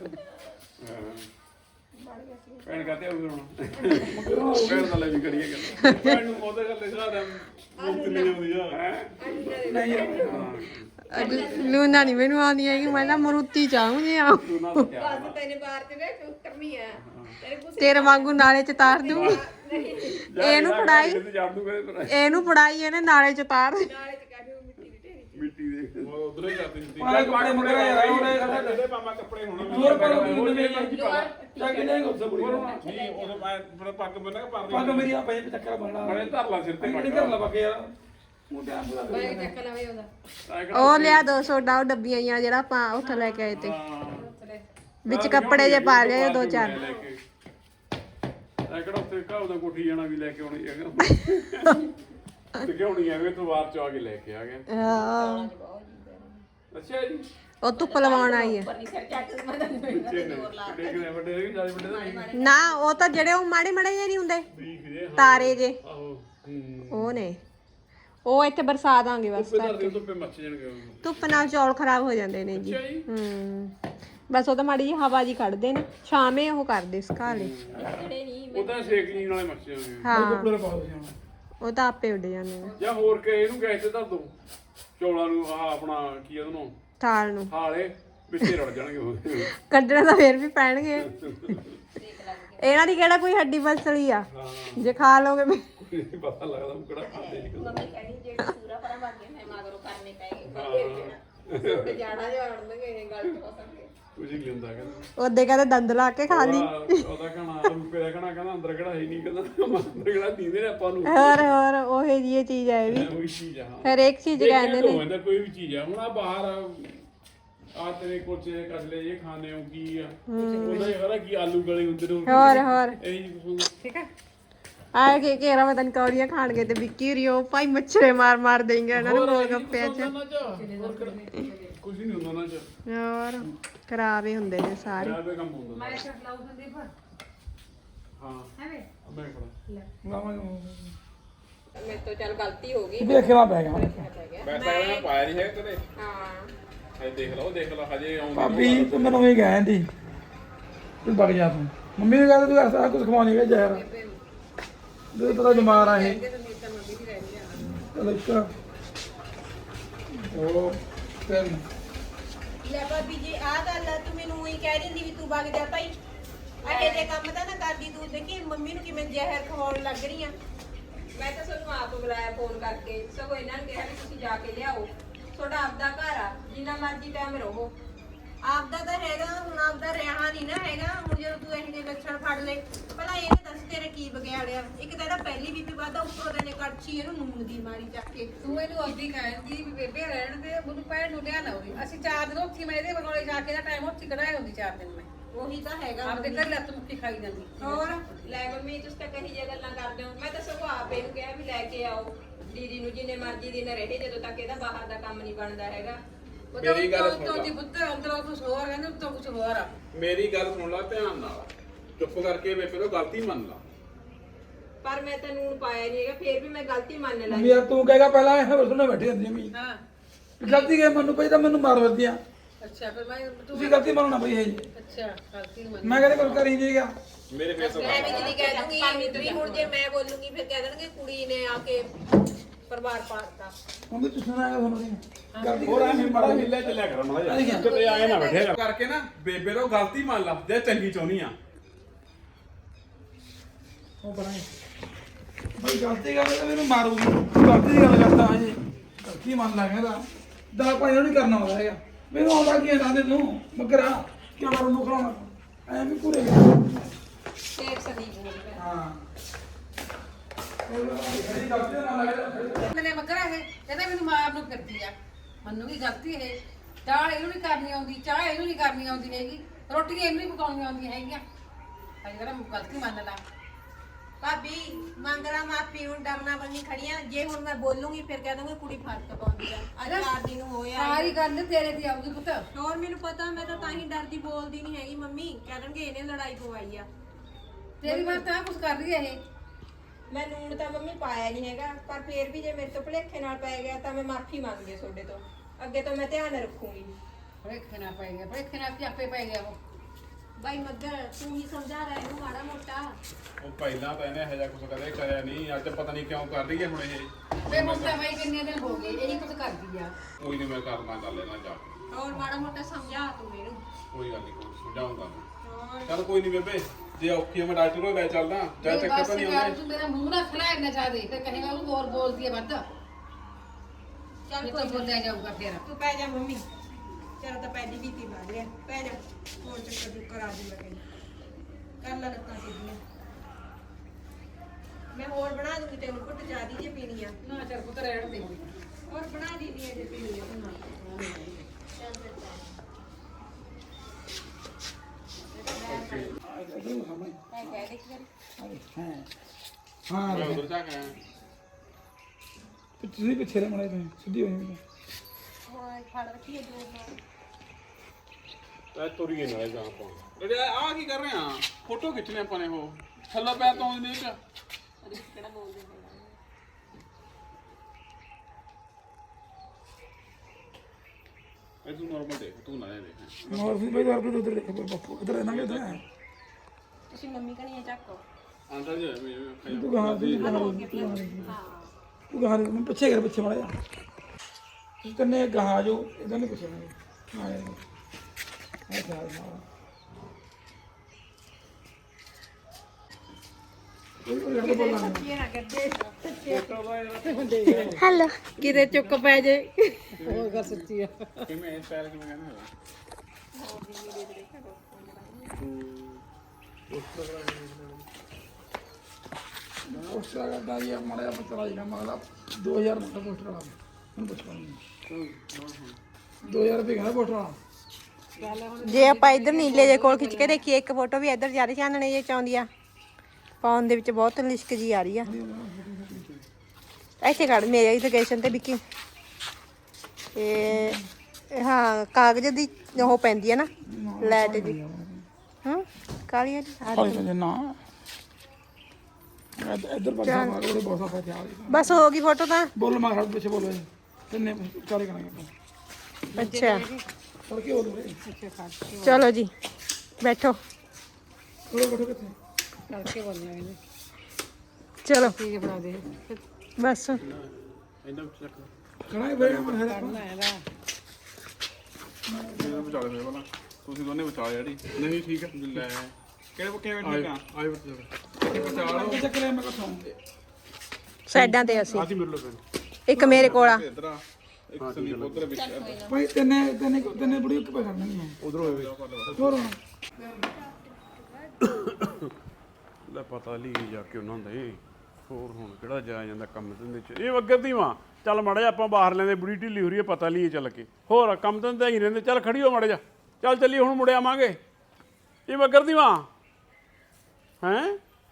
Speaker 1: ਭੈਣ ਕਹਤੇ ਹੋ ਹੁਣ ਭੈਣ ਦਾ ਲੈ ਵੀ ਕਰੀਏ ਗੱਲ ਭੈਣ ਨੂੰ ਉਹਦੇ ਗੱਲ ਦੇ ਸਾਰਾ ਮੁਕਤ ਨਹੀਂ ਆਉਂਦੀ ਆ ਹੈ
Speaker 2: ਨਹੀਂ ਯਾਰ
Speaker 5: ਲੂਨਾ ਨਹੀਂ ਮੈਨੂੰ ਆਉਂਦੀ ਹੈਗੀ ਮੈਂ ਤਾਂ ਮਰੂਤੀ ਚਾਹੂੰਗੀ ਆ
Speaker 6: ਬਸ ਤੈਨੂੰ ਬਾਹਰ ਤੇ ਵੇ ਤੂੰ ਕਰਨੀ ਆ ਤੇਰੇ ਕੁਛ
Speaker 5: ਤੇਰੇ ਵਾਂਗੂ ਨਾਲੇ ਚ ਤਾਰ ਦੂੰਗੀ ਇਹਨੂੰ ਫੜਾਈ
Speaker 1: ਤੇ ਜਾਣ ਦੂ ਕਦੇ ਪਰ
Speaker 5: ਇਹਨੂੰ ਫੜਾਈ ਇਹਨੇ ਨਾਲੇ ਚ ਤਾਰ ਦੇ
Speaker 6: ਨਾਲੇ ਚ ਕਾਹਨੂੰ ਮਿੱਟੀ ਦੀ ਢੇਰੀ
Speaker 1: ਮਿੱਟੀ ਦੇ
Speaker 4: ਉਹ ਉਧਰ ਹੀ ਜਾਂਦੀ ਹੁੰਦੀ
Speaker 2: ਪਾਏ ਕੱਪੜੇ ਮਗਰ ਯਾਰ ਉਹਨੇ
Speaker 4: ਇਹਦੇ ਪਾਪਾ ਕੱਪੜੇ ਹੁਣ
Speaker 2: ਹੋਰ ਪਾ ਲਓ ਨਹੀਂ ਚੱਕ ਨਹੀਂ ਗੁੱਸਾ ਬੁੜੀ
Speaker 4: ਨਹੀਂ ਉਹ ਮੈਂ ਫਿਰ ਪੱਗ ਬੰਨ੍ਹ ਕੇ ਪਾਰਦੀ
Speaker 2: ਪੱਗ ਮੇਰੀ ਆ ਪਏ ਚੱਕਰ ਬਣਨਾ
Speaker 4: ਬੜੇ ਧਰ ਲਾ ਸਿਰ ਤੇ
Speaker 2: ਨਹੀਂ ਕਰ ਲਾ ਬਾਕੀ ਯਾਰ ਉਹ ਟਾਈਮ ਪੂਰਾ
Speaker 3: ਬਾਈ ਚੱਕ ਲਾ ਬਈ ਉਹਦਾ
Speaker 1: ਐਂ ਕਿਹੜਾ
Speaker 5: ਉਹ ਲਿਆ ਦੋ ਸੌ ਦਾ ਉਹ ਡੱਬੀਆਂ ਜਿਹੀਆਂ ਜਿਹੜਾ ਆਪਾਂ ਉੱਥੇ ਲੈ ਕੇ ਆਏ ਤੇ
Speaker 1: ਹਾਂ
Speaker 3: ਚਲੇ
Speaker 5: ਵਿੱਚ ਕੱਪੜੇ ਜੇ ਪਾ ਲਏ ਦੋ ਚਾਰ
Speaker 1: ਲੈ ਕੇ ਐ ਕਿਹੜਾ ਉੱਥੇ ਘਾਉ ਦਾ ਕੋਠੀ ਜਾਣਾ ਵੀ ਲੈ ਕੇ ਆਉਣੀ ਹੈਗਾ ਤੇ ਕਿਉਣੀ ਐਵੇਂ ਤੋਂ ਬਾਹਰ ਚ ਆ ਕੇ ਲੈ ਕੇ ਆ ਗਏ
Speaker 5: ਹਾਂ,
Speaker 1: ਅੱਛਾ ਜੀ
Speaker 5: ਉਹ ਧੁੱਪ ਲਵਾਉਣ ਆਈ ਹੈ
Speaker 6: ਪਰ ਨਹੀਂ ਸਿਰ ਚੱਟ ਮੈਂ ਤਾਂ
Speaker 1: ਬੱਚੇ ਨੇ ਕਿੱਡੇ ਕਿਨੇ ਵੱਡੇ ਹੈਗੇ ਜਿਆਦਾ ਵੱਡੇ ਤਾਂ ਨਹੀਂ
Speaker 5: ਨਾ ਉਹ ਤਾਂ ਜਿਹੜੇ ਉਹ ਮਾੜੇ ਮਾੜੇ ਜਿਹੇ ਨਹੀਂ ਹੁੰਦੇ
Speaker 1: ਬਰੀਕ ਜੇ
Speaker 5: ਤਾਰੇ ਜੇ
Speaker 1: ਆਹੋ ਹੂੰ
Speaker 5: ਉਹ ਨੇ ਉਹ ਇੱਥੇ ਬਰਸਾ ਦਾਂਗੇ ਬਸ
Speaker 1: ਧੁੱਪੇ ਧਰਦੇ ਧੁੱਪੇ ਮੱਚ ਜਾਣਗੇ ਉਹ।
Speaker 5: ਧੁੱਪ ਨਾਲ ਚੌਲ ਖਰਾਬ ਹੋ ਜਾਂਦੇ ਨੇ ਜੀ
Speaker 1: ਅੱਛਾ ਜੀ
Speaker 5: ਹੂੰ ਬਸ ਉਹ ਤਾਂ ਮਾੜੀ ਜਿਹੀ ਹਵਾ ਜੀ ਕੱਢਦੇ ਨੇ ਸ਼ਾਮੇ ਉਹ ਕਰਦੇ ਸੁਕਾ ਲੈ
Speaker 6: ਜਿਹੜੇ ਨਹੀਂ
Speaker 1: ਉਹ ਤਾਂ ਸੇਕ ਜੀ ਨਾਲੇ ਮੱਚ ਜਾਣਗੇ
Speaker 5: ਹਾਂ
Speaker 2: ਕੱਪੜੇ ਪਾ ਦੋ ਜੀ ਹੁਣ
Speaker 5: ਉਹ ਤਾਂ ਆਪੇ ਉੱਡ ਜਾਂਦੇ ਨੇ
Speaker 1: ਜਾਂ ਹੋਰ ਕਿ ਇਹਨੂੰ ਗੈਸ ਤੇ ਧਰ ਦੋ ਚੌਲਾਂ ਨੂੰ ਆਹ ਆਪਣਾ ਕੀ ਉਹਨੂੰ
Speaker 5: ਥਾਲ ਨੂੰ
Speaker 1: ਹਾਲੇ ਵਿੱਚੇ ਰੜ ਜਾਣਗੇ ਉਹ
Speaker 5: ਕੱਢਣੇ ਤਾਂ ਫੇਰ ਵੀ ਪੈਣਗੇ ਇਹਨਾਂ ਦੀ ਕਿਹੜਾ ਕੋਈ ਹੱਡੀ ਬਸਲੀ ਆ ਜੇ ਖਾ ਲੋਗੇ ਵੀ
Speaker 1: ਕੋਈ ਪਤਾ ਲੱਗਦਾ ਉਹ ਕਿਹੜਾ ਖਾਂਦੇ ਨਹੀਂ
Speaker 6: ਮੰਮੀ ਕਹਿੰਦੀ ਜਿਹੜਾ ਪੂਰਾ ਪਰਾ ਬਾਗੇ ਮੈਂ ਮਗਰੋਂ ਕਰਨੇ ਪੈਗੇ ਉਹ ਜਾਣਾ ਜਾਣਨਗੇ ਇਹ ਗੱਲ ਤੋਂ ਸਕਦੇ
Speaker 1: ਕੁਝ ਨਹੀਂ ਹੁੰਦਾ ਕਹਿੰਦਾ
Speaker 5: ਉਹਦੇ ਕਹਿੰਦੇ ਦੰਦ ਲਾ ਕੇ ਖਾ ਲਈ
Speaker 1: ਉਹਦਾ ਉਹਦਾ ਕਹਣਾ ਰੁਪਏ ਦਾ ਕਹਣਾ ਕਹਿੰਦਾ ਅੰਦਰ ਕਿਹੜਾ ਹੈ ਨਹੀਂ ਕਹਿੰਦਾ ਅੰਦਰ ਕਿਹੜਾ ਦੀਂਦੇ ਨੇ ਆਪਾਂ ਨੂੰ
Speaker 5: ਹੋਰ ਹੋਰ ਉਹੇ ਜੀ ਚੀਜ਼ ਹੈ ਇਹ ਵੀ
Speaker 1: ਉਹੀ ਚੀਜ਼ ਆ ਹਾਂ
Speaker 5: ਹਰ ਇੱਕ ਚੀਜ਼ ਕਹਿੰਦੇ ਨੇ
Speaker 1: ਨੇ ਕੋਈ ਵੀ ਚੀਜ਼ ਆ ਹੁਣ ਆ ਬਾਹਰ ਆ ਤੇਰੇ ਕੋਚੇ ਕਸਲੇ ਇਹ ਖਾਣੇ ਹੋ ਕੀ ਆ ਉਹਦਾ ਜਿਹੜਾ ਕੀ ਆਲੂ ਗਲੇ ਹੁੰਦੇ ਨੇ
Speaker 5: ਹੋਰ ਹੋਰ
Speaker 1: ਇਹ ਜੀ ਕੁਛ
Speaker 3: ਠੀਕ ਹੈ
Speaker 5: ਆ ਕੇ ਘੇਰਾ ਮੈਂ ਤਨ ਕੌੜੀਆਂ ਖਾਣਗੇ ਤੇ ਵਿੱਕੀ ਰਿਓ ਭਾਈ ਮੱਛਰੇ ਮਾਰ ਮਾਰ ਦੇਂਗੇ ਇਹਨਾਂ ਨੂੰ ਗੋਲ ਗੱਪਿਆਂ ਚ
Speaker 1: ਕੁਝ ਨਹੀਂ ਹੁੰਦਾ ਨਾ ਚ
Speaker 5: ਹੋਰ ਖਰਾਬ ਹੀ ਹੁੰਦੇ ਨੇ ਸਾਰੇ
Speaker 1: ਯਾਰ ਕੰਮ ਹੁੰਦਾ
Speaker 3: ਮੈਂ ਸ਼ਰਟ ਲਾਉ ਸੰਦੀਪ
Speaker 1: ਹਾਂ
Speaker 3: ਹੈ ਵੇ
Speaker 1: ਮੈਂ ਖੜਾ
Speaker 6: ਮੇਰੇ ਤੋਂ ਚੱਲ ਗਲਤੀ ਹੋ ਗਈ
Speaker 2: ਦੇਖਣਾ ਪੈ ਗਿਆ
Speaker 4: ਵੈਸੇ ਮੈਂ ਪਾਇਆ ਨਹੀਂ ਹੈ ਕਦੇ
Speaker 6: ਹਾਂ
Speaker 4: ਹਜੇ ਦੇਖ ਲਓ ਦੇਖ ਲਓ ਹਜੇ ਆਉਂਦੀ
Speaker 2: ਭਾਬੀ ਤੂੰ ਮੈਨੂੰ ਵੀ ਕਹਿੰਦੀ ਤੂੰ ਵਗ ਜਾ ਤੂੰ ਮੰਮੀ ਨੇ ਕਹਿੰਦਾ ਤੂੰ ਸਾਰਾ ਕੁਝ ਖਵਾਉਣੀ ਹੈ ਜ਼ਹਿਰ ਤੂੰ ਪਤਾ ਬਿਮਾਰ ਆ ਇਹ ਚਲ ਇੱਕ ਉਹ ਤਿੰਨ
Speaker 6: ਲੈ ਭਾਬੀ ਜੀ ਆ ਗੱਲ ਆ, ਤੂੰ ਮੈਨੂੰ ਹੀ ਕਹਿ ਦਿੰਦੀ ਵੀ ਤੂੰ ਵਗ ਜਾ ਭਾਈ ਇਹ ਜੇ ਕੰਮ ਤਾਂ ਨਾ ਕਰਦੀ ਤੂੰ ਦੇਖੀ ਮੰਮੀ ਨੂੰ ਕਿਵੇਂ ਜ਼ਹਿਰ ਖਵਾਉਣ ਲੱਗ ਰਹੀ ਆ ਮੈਂ ਤਾਂ ਤੁਹਾਨੂੰ ਆਪ ਬੁਲਾਇਆ ਫੋਨ ਕਰਕੇ ਸਗੋਂ ਇਹਨਾਂ ਨੂੰ ਕਿਹਾ ਵੀ ਤੁਸੀਂ ਜਾ ਕੇ ਲਿਆਓ ਤੁਹਾਡਾ ਆਪਦਾ ਘਰ ਆ ਜਿੰਨਾ ਮਰਜ਼ੀ ਟਾਈਮ ਰਹੋ ਆਪਦਾ ਤਾਂ ਹੈਗਾ ਹੁਣ ਆਪਦਾ ਰਿਹਾ ਨਹੀਂ ਨਾ ਹੈਗਾ ਹੁਣ ਜਦੋਂ ਤੂੰ ਇਹਨੇ ਲੱਛਣ ਫੜ ਲੈ ਭਲਾ ਇਹਨੇ ਦੱਸ ਤੇਰੇ ਕੀ ਵਿਗਿਆੜਿਆ ਇੱਕ ਤਾਂ ਇਹਦਾ ਪਹਿਲੀ ਬੀਪੀ ਵਾਦਾ ਉੱਪਰੋਂ ਦੇ ਨੇ ਕੜਛੀ ਇਹਨੂੰ ਨੂਨ ਦੀ ਮਾਰੀ ਚੱਕ ਕੇ
Speaker 3: ਤੂੰ ਇਹਨੂੰ ਅੱਧੀ ਕਹਿੰਦੀ ਵੀ ਬੇਬੇ ਰਹਿਣ ਦੇ ਮੈਨੂੰ ਭੈਣ ਨੂੰ ਲਿਆ ਲਾਉਗੀ ਅਸੀਂ ਚਾਰ ਦਿਨ ਉੱਥੇ ਮੈਂ ਇਹਦੇ ਬਗੋਲੇ ਜਾ ਕੇ ਦਾ ਟਾਈਮ ਉੱਥੇ ਕਢਾਇਆ ਹੁੰਦੀ ਚਾਰ ਦਿਨ ਮੈਂ
Speaker 6: ਉਹੀ ਤਾਂ ਹੈਗਾ
Speaker 3: ਆਪਦੇ ਘਰ ਲੱਤ ਮੁੱਕੀ ਖਾਈ ਜਾਂਦੀ
Speaker 6: ਹੋਰ ਲੈ ਮੰਮੀ ਤੁਸੀਂ ਤਾਂ ਕਹੀ ਜੇ ਗੱਲਾਂ ਕਰਦੇ ਹੋ ਮੈਂ ਤਾਂ ਸਗੋਂ ਆਪ ਇਹਨੂੰ ਕਿਹਾ ਵੀ ਲੈ ਕੇ ਆਓ ਦੀਦੀ ਨੂੰ ਜਿੰਨੇ ਮਰਜ਼ੀ ਦਿਨ ਰਹੇ ਜਦੋਂ ਤੱਕ ਇਹਦਾ ਬਾਹਰ ਦਾ ਕੰਮ ਨਹੀਂ ਬਣਦਾ ਹੈਗਾ
Speaker 4: ਮੇਰੀ ਗੱਲ ਸੁਣ
Speaker 3: ਤੋਂ
Speaker 4: ਲਾ।
Speaker 3: ਦੀ ਪੁੱਤਰ ਅੰਦਰੋਂ ਕੁਝ ਹੋਰ ਕਹਿੰਦੇ ਉੱਤੋਂ ਕੁਝ ਹੋਰ ਆ
Speaker 4: ਮੇਰੀ ਗੱਲ ਸੁਣ ਲੈ ਧਿਆਨ ਨਾਲ ਚੁੱਪ ਕਰਕੇ ਬੇਬੇ ਤੋਂ ਗਲਤੀ ਮੰਨ ਲਾ
Speaker 6: ਪਰ ਮੈਂ ਤਾਂ ਨੂਣ ਪਾਇਆ ਨਹੀਂ ਹੈਗਾ ਫੇਰ ਵੀ ਮੈਂ ਗਲਤੀ ਮੰਨ
Speaker 2: ਮੰਮੀ
Speaker 6: ਲਈ
Speaker 2: ਯਾਰ ਤੂੰ ਕਹੇਗਾ ਪਹਿਲਾਂ ਇਹ ਵਰਤੋਂ ਬੈਠੀ ਹੁੰਦੀ ਮੰਮੀ
Speaker 3: ਹਾਂ
Speaker 2: ਗਲਤੀ ਕੇ ਮੈਨੂੰ ਪਈ ਤਾਂ ਮੈਨੂੰ ਮਾਰ ਵਰਦੀਆਂ
Speaker 3: ਅੱਛਾ ਫਿਰ ਮੈਂ ਤੂੰ
Speaker 2: ਤੁਸੀਂ ਗਲਤੀ ਮੰਨੋ ਨਾ ਬਈ ਇਹ ਜੀ
Speaker 3: ਅੱਛਾ ਗਲਤੀ ਨੂੰ ਮੰਨ
Speaker 2: ਮੈਂ ਕਹਿੰਦਾ ਕੋਈ ਕਰੀ ਜੀਗਾ
Speaker 4: ਮੇਰੇ ਫੇਰ ਤੋਂ
Speaker 6: ਮੈਂ ਵੀ ਜਿਹੜੀ ਕਹਿ ਦੂੰਗੀ ਵੀ ਹੁਣ ਜੇ ਮੈਂ ਬੋਲੂੰਗੀ ਫਿਰ ਕਹਿ ਦੇਣਗੇ ਕੁੜੀ ਨੇ ਆ ਕੇ ਪਰਿਵਾਰ ਪਾੜਤਾ
Speaker 2: ਮੰਮੀ ਤੁਸੀਂ ਸੁਣਾਇਆ ਤੁਹਾਨੂੰ ਨਹੀਂ ਗਲਤੀ
Speaker 1: ਹੋਰ ਐਵੇਂ ਮਾੜਾ ਹਿੱਲੇ ਚੱਲਿਆ ਕਰ ਮਾੜਾ ਜਿਹਾ ਕਿਤੇ ਆਏ ਨਾ ਬੈਠੇ
Speaker 4: ਕਰਕੇ ਨਾ ਬੇਬੇ ਤੋਂ ਗਲਤੀ ਮੰਨ ਲਾ ਜੇ ਚੰਗੀ ਚਾਹੁੰਦੀ ਆ
Speaker 2: ਉਹ ਬਣਾਏ ਬਈ ਗਲਤੀ ਕਰ ਤਾਂ ਮੈਨੂੰ ਮਾਰੂਗੀ ਗਲਤੀ ਦੀ ਗੱਲ ਕਰਦਾ ਹਾਂ ਜੀ ਗਲਤੀ ਮੰਨ ਲਾ ਕਹਿੰਦਾ ਦਾ ਭਾਈ ਨਹੀਂ ਕਰਨਾ ਹੁੰਦਾ ਹੈਗਾ ਮੈਨੂੰ ਆਉਂਦਾ ਕੀ ਹੈ ਤੂੰ ਮਗਰਾ ਕਿਉਂ ਮਾਰੂ ਨੂੰ ਖਲਾਉਣਾ ਐ ਵੀ ਪੂਰੇ
Speaker 6: ਫੇਰ ਸਨੀ ਬੋਲ
Speaker 2: ਹਾਂ ਇਹ ਗਲਤੀ ਨਾ ਲੱਗੇ
Speaker 3: ਮੈਨੇ ਮਗਰ ਹੈ ਕਹਿੰਦਾ ਮੈਨੂੰ ਮਾਰ ਨੂੰ ਫਿਰਦੀ ਆ ਮੈਨੂੰ ਵੀ ਗਲਤੀ ਹੈ ਚਾਹ ਇਹਨੂੰ ਨਹੀਂ ਕਰਨੀ ਆਉਂਦੀ ਚਾਹ ਇਹਨੂੰ ਨਹੀਂ ਕਰਨੀ ਆਉਂਦੀ ਹੈਗੀ ਰੋਟੀਆਂ ਇਹਨੂੰ ਨਹੀਂ ਪਕਾਉਣੀਆਂ ਆਉਂਦੀਆਂ ਹੈਗੀਆਂ ਅਜੇ ਕਹਿੰਦਾ ਗਲਤੀ ਮੰਨ ਲਾ
Speaker 6: ਭਾਬੀ ਮੰਗਰਾ ਮਾਫੀ ਹੁਣ ਡਰਨਾ ਬਣੀ ਖੜੀਆਂ ਜੇ ਹੁਣ ਮੈਂ ਬੋਲੂੰਗੀ ਫਿਰ ਕਹਿ ਦੋਗੇ ਕੁੜੀ ਫਰਕ ਪਾਉਂਦੀ ਆ ਅੱਜ ਚਾਰ ਦਿਨ ਹੋਇਆ
Speaker 3: ਸਾਰੀ ਗੱਲ ਤੇਰੇ ਤੇ ਆਉਗੀ ਪੁੱਤ
Speaker 6: ਹੋਰ ਮੈਨੂੰ ਪਤਾ ਮੈਂ ਤਾਂ ਤਾਂ ਹੀ ਡਰਦੀ ਬੋਲਦੀ ਨਹੀਂ ਹੈਗੀ ਮੰਮੀ ਕਹਿ ਦੇਣਗੇ ਇਹਨੇ ਲੜਾਈ ਪਵਾਈ ਆ
Speaker 3: ਤੇਰੀ ਬਾਤ ਤਾਂ ਕੁਝ ਕਰ ਰਹੀ ਹੈ ਇਹ
Speaker 6: ਮੈਂ ਨੂਣ ਤਾਂ ਮੰਮੀ ਪਾਇਆ ਨਹੀਂ ਹੈਗਾ ਪਰ ਫੇਰ ਵੀ ਜੇ ਮੇਰੇ ਤੋਂ ਭੁਲੇਖੇ ਨਾਲ ਪੈ ਗਿਆ ਤਾਂ ਮੈਂ ਮਾਫੀ ਮੰਗਦੀ ਹਾਂ ਤੁਹਾਡੇ ਤੋਂ ਅੱਗੇ ਤੋਂ ਮੈਂ ਧਿਆਨ ਰੱਖੂੰਗੀ
Speaker 3: ਭੇਖੇ ਨਾ ਪੈ ਗਿਆ ਭੇਖੇ ਨਾਲ ਕੀ ਆਪੇ ਪੈ ਗਿਆ ਉਹ
Speaker 6: ਬਾਈ ਮੱਗਰ ਤੂੰ ਹੀ ਸਮਝਾ ਰਿਹਾ ਇਹਨੂੰ ਮਾੜਾ ਮੋਟਾ
Speaker 4: ਉਹ ਪਹਿਲਾਂ ਤਾਂ ਇਹਨੇ ਹਜਾ ਕੁਝ ਕਦੇ ਕਰਿਆ ਨਹੀਂ ਅੱਜ ਪਤਾ ਨਹੀਂ ਕਿਉਂ ਕਰ ਰਹੀ ਹੈ ਹੁਣ ਇਹ
Speaker 3: ਤੇ ਮੁੰਡਾ ਬਾਈ ਕਿੰਨੇ ਦਿਨ ਹੋ ਗਏ ਇਹੀ ਕੁਝ ਕਰਦੀ ਆ
Speaker 4: ਕੋਈ ਨਹੀਂ ਮੈਂ ਕਰਨਾ ਕਰ ਲੈਣਾ ਜਾ ਕੇ
Speaker 6: ਹੋਰ ਮਾੜਾ ਮੋਟਾ ਸਮਝਾ ਤੂੰ ਮੈਨੂੰ
Speaker 4: ਕੋਈ ਗੱਲ ਨਹੀਂ ਕੋਈ ਸਮਝਾਉਂਗਾ ਮੈਂ
Speaker 6: ਹੋਰ
Speaker 4: ਚੱਲ ਕੋਈ ਨਹੀਂ ਬੇਬੇ ਜੇ ਔਖੀ ਆ ਮੈਂ ਡਾਕਟਰ ਕੋਲ ਲੈ ਚੱਲਦਾ ਜਾਂ
Speaker 3: ਨਹੀਂ,
Speaker 4: ਚੱਕਰ
Speaker 3: ਬਸ
Speaker 4: ਤਾਂ ਨਹੀਂ
Speaker 3: ਕਰ,
Speaker 4: ਆਉਂਦੇ
Speaker 3: ਤੂੰ ਮੇਰਾ ਮੂੰਹ ਨਾ ਖਲਾ ਇੰਨਾ ਜ਼ਿਆਦੇ ਫਿਰ ਕਹੇਗਾ ਉਹਨੂੰ ਹੋਰ ਬੋਲਦੀ ਹੈ ਵੱਧ
Speaker 6: ਚੱਲ
Speaker 3: ਇਹ
Speaker 6: ਕੋਈ
Speaker 3: ਤਾਂ
Speaker 6: ਨੀ।
Speaker 3: ਬੋਲਿਆ ਜਾਊਗਾ ਫਿਰ
Speaker 6: ਤੂੰ ਪੈ ਜਾ ਮੰਮੀ ਚਲ ਤਾਂ ਪੈਦੀ ਬੀਤੀ ਵੱਧ ਰਿਹਾ ਪੈ ਜਾ ਹੋਰ ਚੱਕਰ ਚੁੱਕਰ ਆ ਜੂਗਾ ਕਹੀਂ ਕਰ ਲੈ ਲੱਤਾਂ ਸਿੱਧੀਆਂ ਮੈਂ ਹੋਰ ਬਣਾ ਦੂੰਗੀ ਤੈਨੂੰ ਘੁੱਟ ਜ਼ਿਆਦੀ ਜੇ ਪੀਣੀ ਆ
Speaker 3: ਨਾ ਚੱਲ ਪੁੱਤ ਰਹਿਣ ਦੇ
Speaker 6: ਹੋਰ ਬਣਾ ਦਿੰਦੀ ਆ ਜੇ ਪੀਣੀ ਆ
Speaker 2: ਇੱਧਰ ਨੂੰ ਸਾਹਮਣੇ
Speaker 6: ਐ ਕਹਿ ਦੇ ਕਿ
Speaker 2: ਹਾਂ ਹਾਂ
Speaker 4: ਮੈਂ ਉਧਰ ਜਾ ਕੇ ਆਇਆ
Speaker 2: ਤੁਸੀਂ ਪਿੱਛੇ ਰਹਿ ਮੜੇ ਤੁਸੀਂ ਸਿੱਧੀ ਹੋ ਜਾਣੀ
Speaker 6: ਹੁਣ ਫੜ ਰੱਖੀਏ ਦੋ
Speaker 1: ਐ ਤੁਰੀਏ ਨਾ ਜਾਂ ਆਪਾਂ
Speaker 4: ਜਿਹੜੇ ਆ ਕੀ ਕਰ ਰਹੇ ਆ ਫੋਟੋ ਖਿੱਚਣੇ ਆਪਾਂ ਨੇ ਉਹ ਥੱਲਾ ਪੈਰ ਤੋਂ ਆਉਂਦੇ ਨੇ ਇੱਕ
Speaker 6: ਕਿਹੜਾ ਬੋਲਦੇ
Speaker 4: ਇਹ ਤੂੰ ਨਾਰਮਲ ਦੇਖ ਤੂੰ ਨਾ ਇਹ ਦੇਖ
Speaker 2: ਹੋਰ ਵੀ ਬਈ ਦਰ ਵੀ ਉਧਰ ਦੇਖ ਬਾਪੂ ਇਧਰ ਇਹਨਾਂ ਕੇ ਤਾਂ
Speaker 6: ਤੁਸੀਂ ਮੰਮੀ ਕਣੀ ਚੱਕੋ
Speaker 4: ਅੰਦਰ ਜਾ ਮੈਂ
Speaker 2: ਤੂੰ ਕਹਾਂ ਤੂੰ ਕਹਾਂ ਤੂੰ ਕਹਾਂ ਮੈਂ ਪਿੱਛੇ ਕਰ ਪਿੱਛੇ ਮੜਾ ਜਾ ਤੂੰ ਕੰਨੇ ਕਹਾਂ ਜੋ ਇਧਰ ਨਹੀਂ ਪਿੱਛੇ ਨਾ ਹਾਂ ਇਹ ਜਾ
Speaker 5: ਹੈਲੋ
Speaker 3: ਕਿਤੇ ਚੁੱਕ ਪੈ ਜੇ ਹੋਰ ਗੱਲ ਸੱਚੀ ਆ
Speaker 4: ਕਿਵੇਂ ਇਸ ਪੈਰ ਕਿਵੇਂ ਕਹਿੰਦੇ ਹੋ
Speaker 2: ਪੋਸਟਰ ਕਰਦਾ ਜੀ ਮੜਾ ਜਾ ਚਲਾ ਜਾਣਾ ਮਗਲਾ ਦੋ ਹਜ਼ਾਰ ਦਾ ਪੋਸਟਰ ਵਾਲਾ ਹੁਣ ਪੁੱਛ ਪਾਉਂਗਾ ਦੋ ਹਜ਼ਾਰ ਰੁਪਏ ਕਹਿੰਦਾ ਪੋਸਟਰ ਵਾਲਾ
Speaker 5: ਜੇ ਆਪਾਂ ਇੱਧਰ ਨੀਲੇ ਜੇ ਕੋਲ ਖਿੱਚ ਕੇ ਦੇਖੀਏ ਇੱਕ ਫੋਟੋ ਵੀ ਇੱਧਰ ਜਾ ਰਹੀ ਚਾਨਣੇ ਜੇ ਚਾਉਂਦੀ ਆ ਪਾਉਣ ਦੇ ਵਿੱਚ ਬਹੁਤ ਲਿਸ਼ਕ ਜੀ ਆ ਰਹੀ ਆ ਇੱਥੇ ਖੜ ਮੇਰੇ ਲੋਕੇਸ਼ਨ ਤੇ ਵਿੱਕੀ ਇਹ ਹਾਂ ਕਾਗਜ਼ ਦੀ ਉਹ ਪੈਂਦੀ ਆ ਨਾ ਲਾਈਟ ਦੀ ਹਾਂ ਕਾਲੀ
Speaker 2: ਹਾਂ ਨਾ ਇੱਧਰ ਬੱਚਾ ਮਾਰ ਉਹਦੇ ਬਹੁਤ ਸਾਫਾ ਖਿਆਲ
Speaker 5: ਬਸ ਹੋ ਗਈ ਫੋਟੋ ਤਾਂ
Speaker 2: ਬੋਲ ਮਾਰ ਹੱਥ ਪਿੱਛੇ ਬੋਲੋ ਤਿੰਨੇ ਚਾਰੇ ਕਰਾਂਗੇ ਆਪਾਂ
Speaker 5: ਅੱਛਾ
Speaker 2: ਫੜ ਕੇ ਬੋਲੋ ਰੇ
Speaker 5: ਚਲੋ ਜੀ ਬੈਠੋ
Speaker 2: ਥੋੜਾ ਬੈਠੋ ਕਿੱਥੇ
Speaker 3: ਕਰਕੇ ਬੋਲਣਾ ਇਹਨੇ
Speaker 5: ਚਲੋ
Speaker 3: ਚੀਜ਼ ਬਣਾ ਦੇ
Speaker 5: ਬਸ
Speaker 4: ਇਹਨਾਂ ਵਿੱਚ ਚੱਕ
Speaker 2: ਕਰਾਂਗੇ ਬਈ ਮਨ ਹੈ
Speaker 4: ਇਹਨਾਂ ਵਿਚਾਲੇ ਹੋਏ ਵਾਲਾ ਤੁਸੀਂ ਦੋਨੇ ਵਿਚਾਲੇ ਜਿਹੜੀ ਨਹੀਂ ਠੀਕ ਹੈ ਲੈ ਕਿਹੜੇ ਕਿਵੇਂ ਠੀਕ ਆ
Speaker 1: ਆਏ ਬੱਚੇ
Speaker 4: ਵਿਚਾਲੇ
Speaker 2: ਚੱਕਰੇ ਮੈਂ ਕਥਾਂ
Speaker 5: ਸਾਈਡਾਂ ਤੇ ਅਸੀਂ
Speaker 1: ਆਜੀ ਮਿਲ ਲੋ ਫਿਰ
Speaker 5: ਇੱਕ ਮੇਰੇ ਕੋਲ ਆ
Speaker 4: ਇਧਰ ਆ ਇੱਕ ਸੰਦੀਪ ਉਧਰ ਵਿੱਚ
Speaker 2: ਭਾਈ ਤਿੰਨੇ ਤਿੰਨੇ ਤਿੰਨੇ ਬੁੜੀ ਇੱਕ ਪਾ ਕਰਨੀ ਹੈ
Speaker 1: ਉਧਰ ਹੋਵੇ
Speaker 2: ਹੋਰ
Speaker 1: ਲੈ ਪਤਾ ਲਈ ਜਾ ਕੇ ਉਹਨਾਂ ਦੇ ਹੋਰ ਹੁਣ ਕਿਹੜਾ ਜਾਇਆ ਜਾਂਦਾ ਕੰਮ ਧੰਦੇ ਚ ਇਹ ਅੱਗੇ ਦੀ ਵਾਂ ਚੱਲ ਮੜਾ ਜਾ ਆਪਾਂ ਬਾਹਰ ਲੈਂਦੇ ਬੁੜੀ ਢਿੱਲੀ ਹੋ ਰਹੀ ਹੈ ਪਤਾ ਲਈਏ ਚੱਲ ਕੇ ਹੋਰ ਕੰਮ ਧੰਦੇ ਹੀ ਰਹਿੰਦੇ ਚੱਲ ਖੜੀ ਹੋ ਮੜਾ ਜਾ ਚੱਲ ਚੱਲੀਏ ਹੁਣ ਮੁੜ ਆਵਾਂਗੇ ਇਹ ਮੱਗਰ ਦੀ ਵਾਂ ਹੈਂ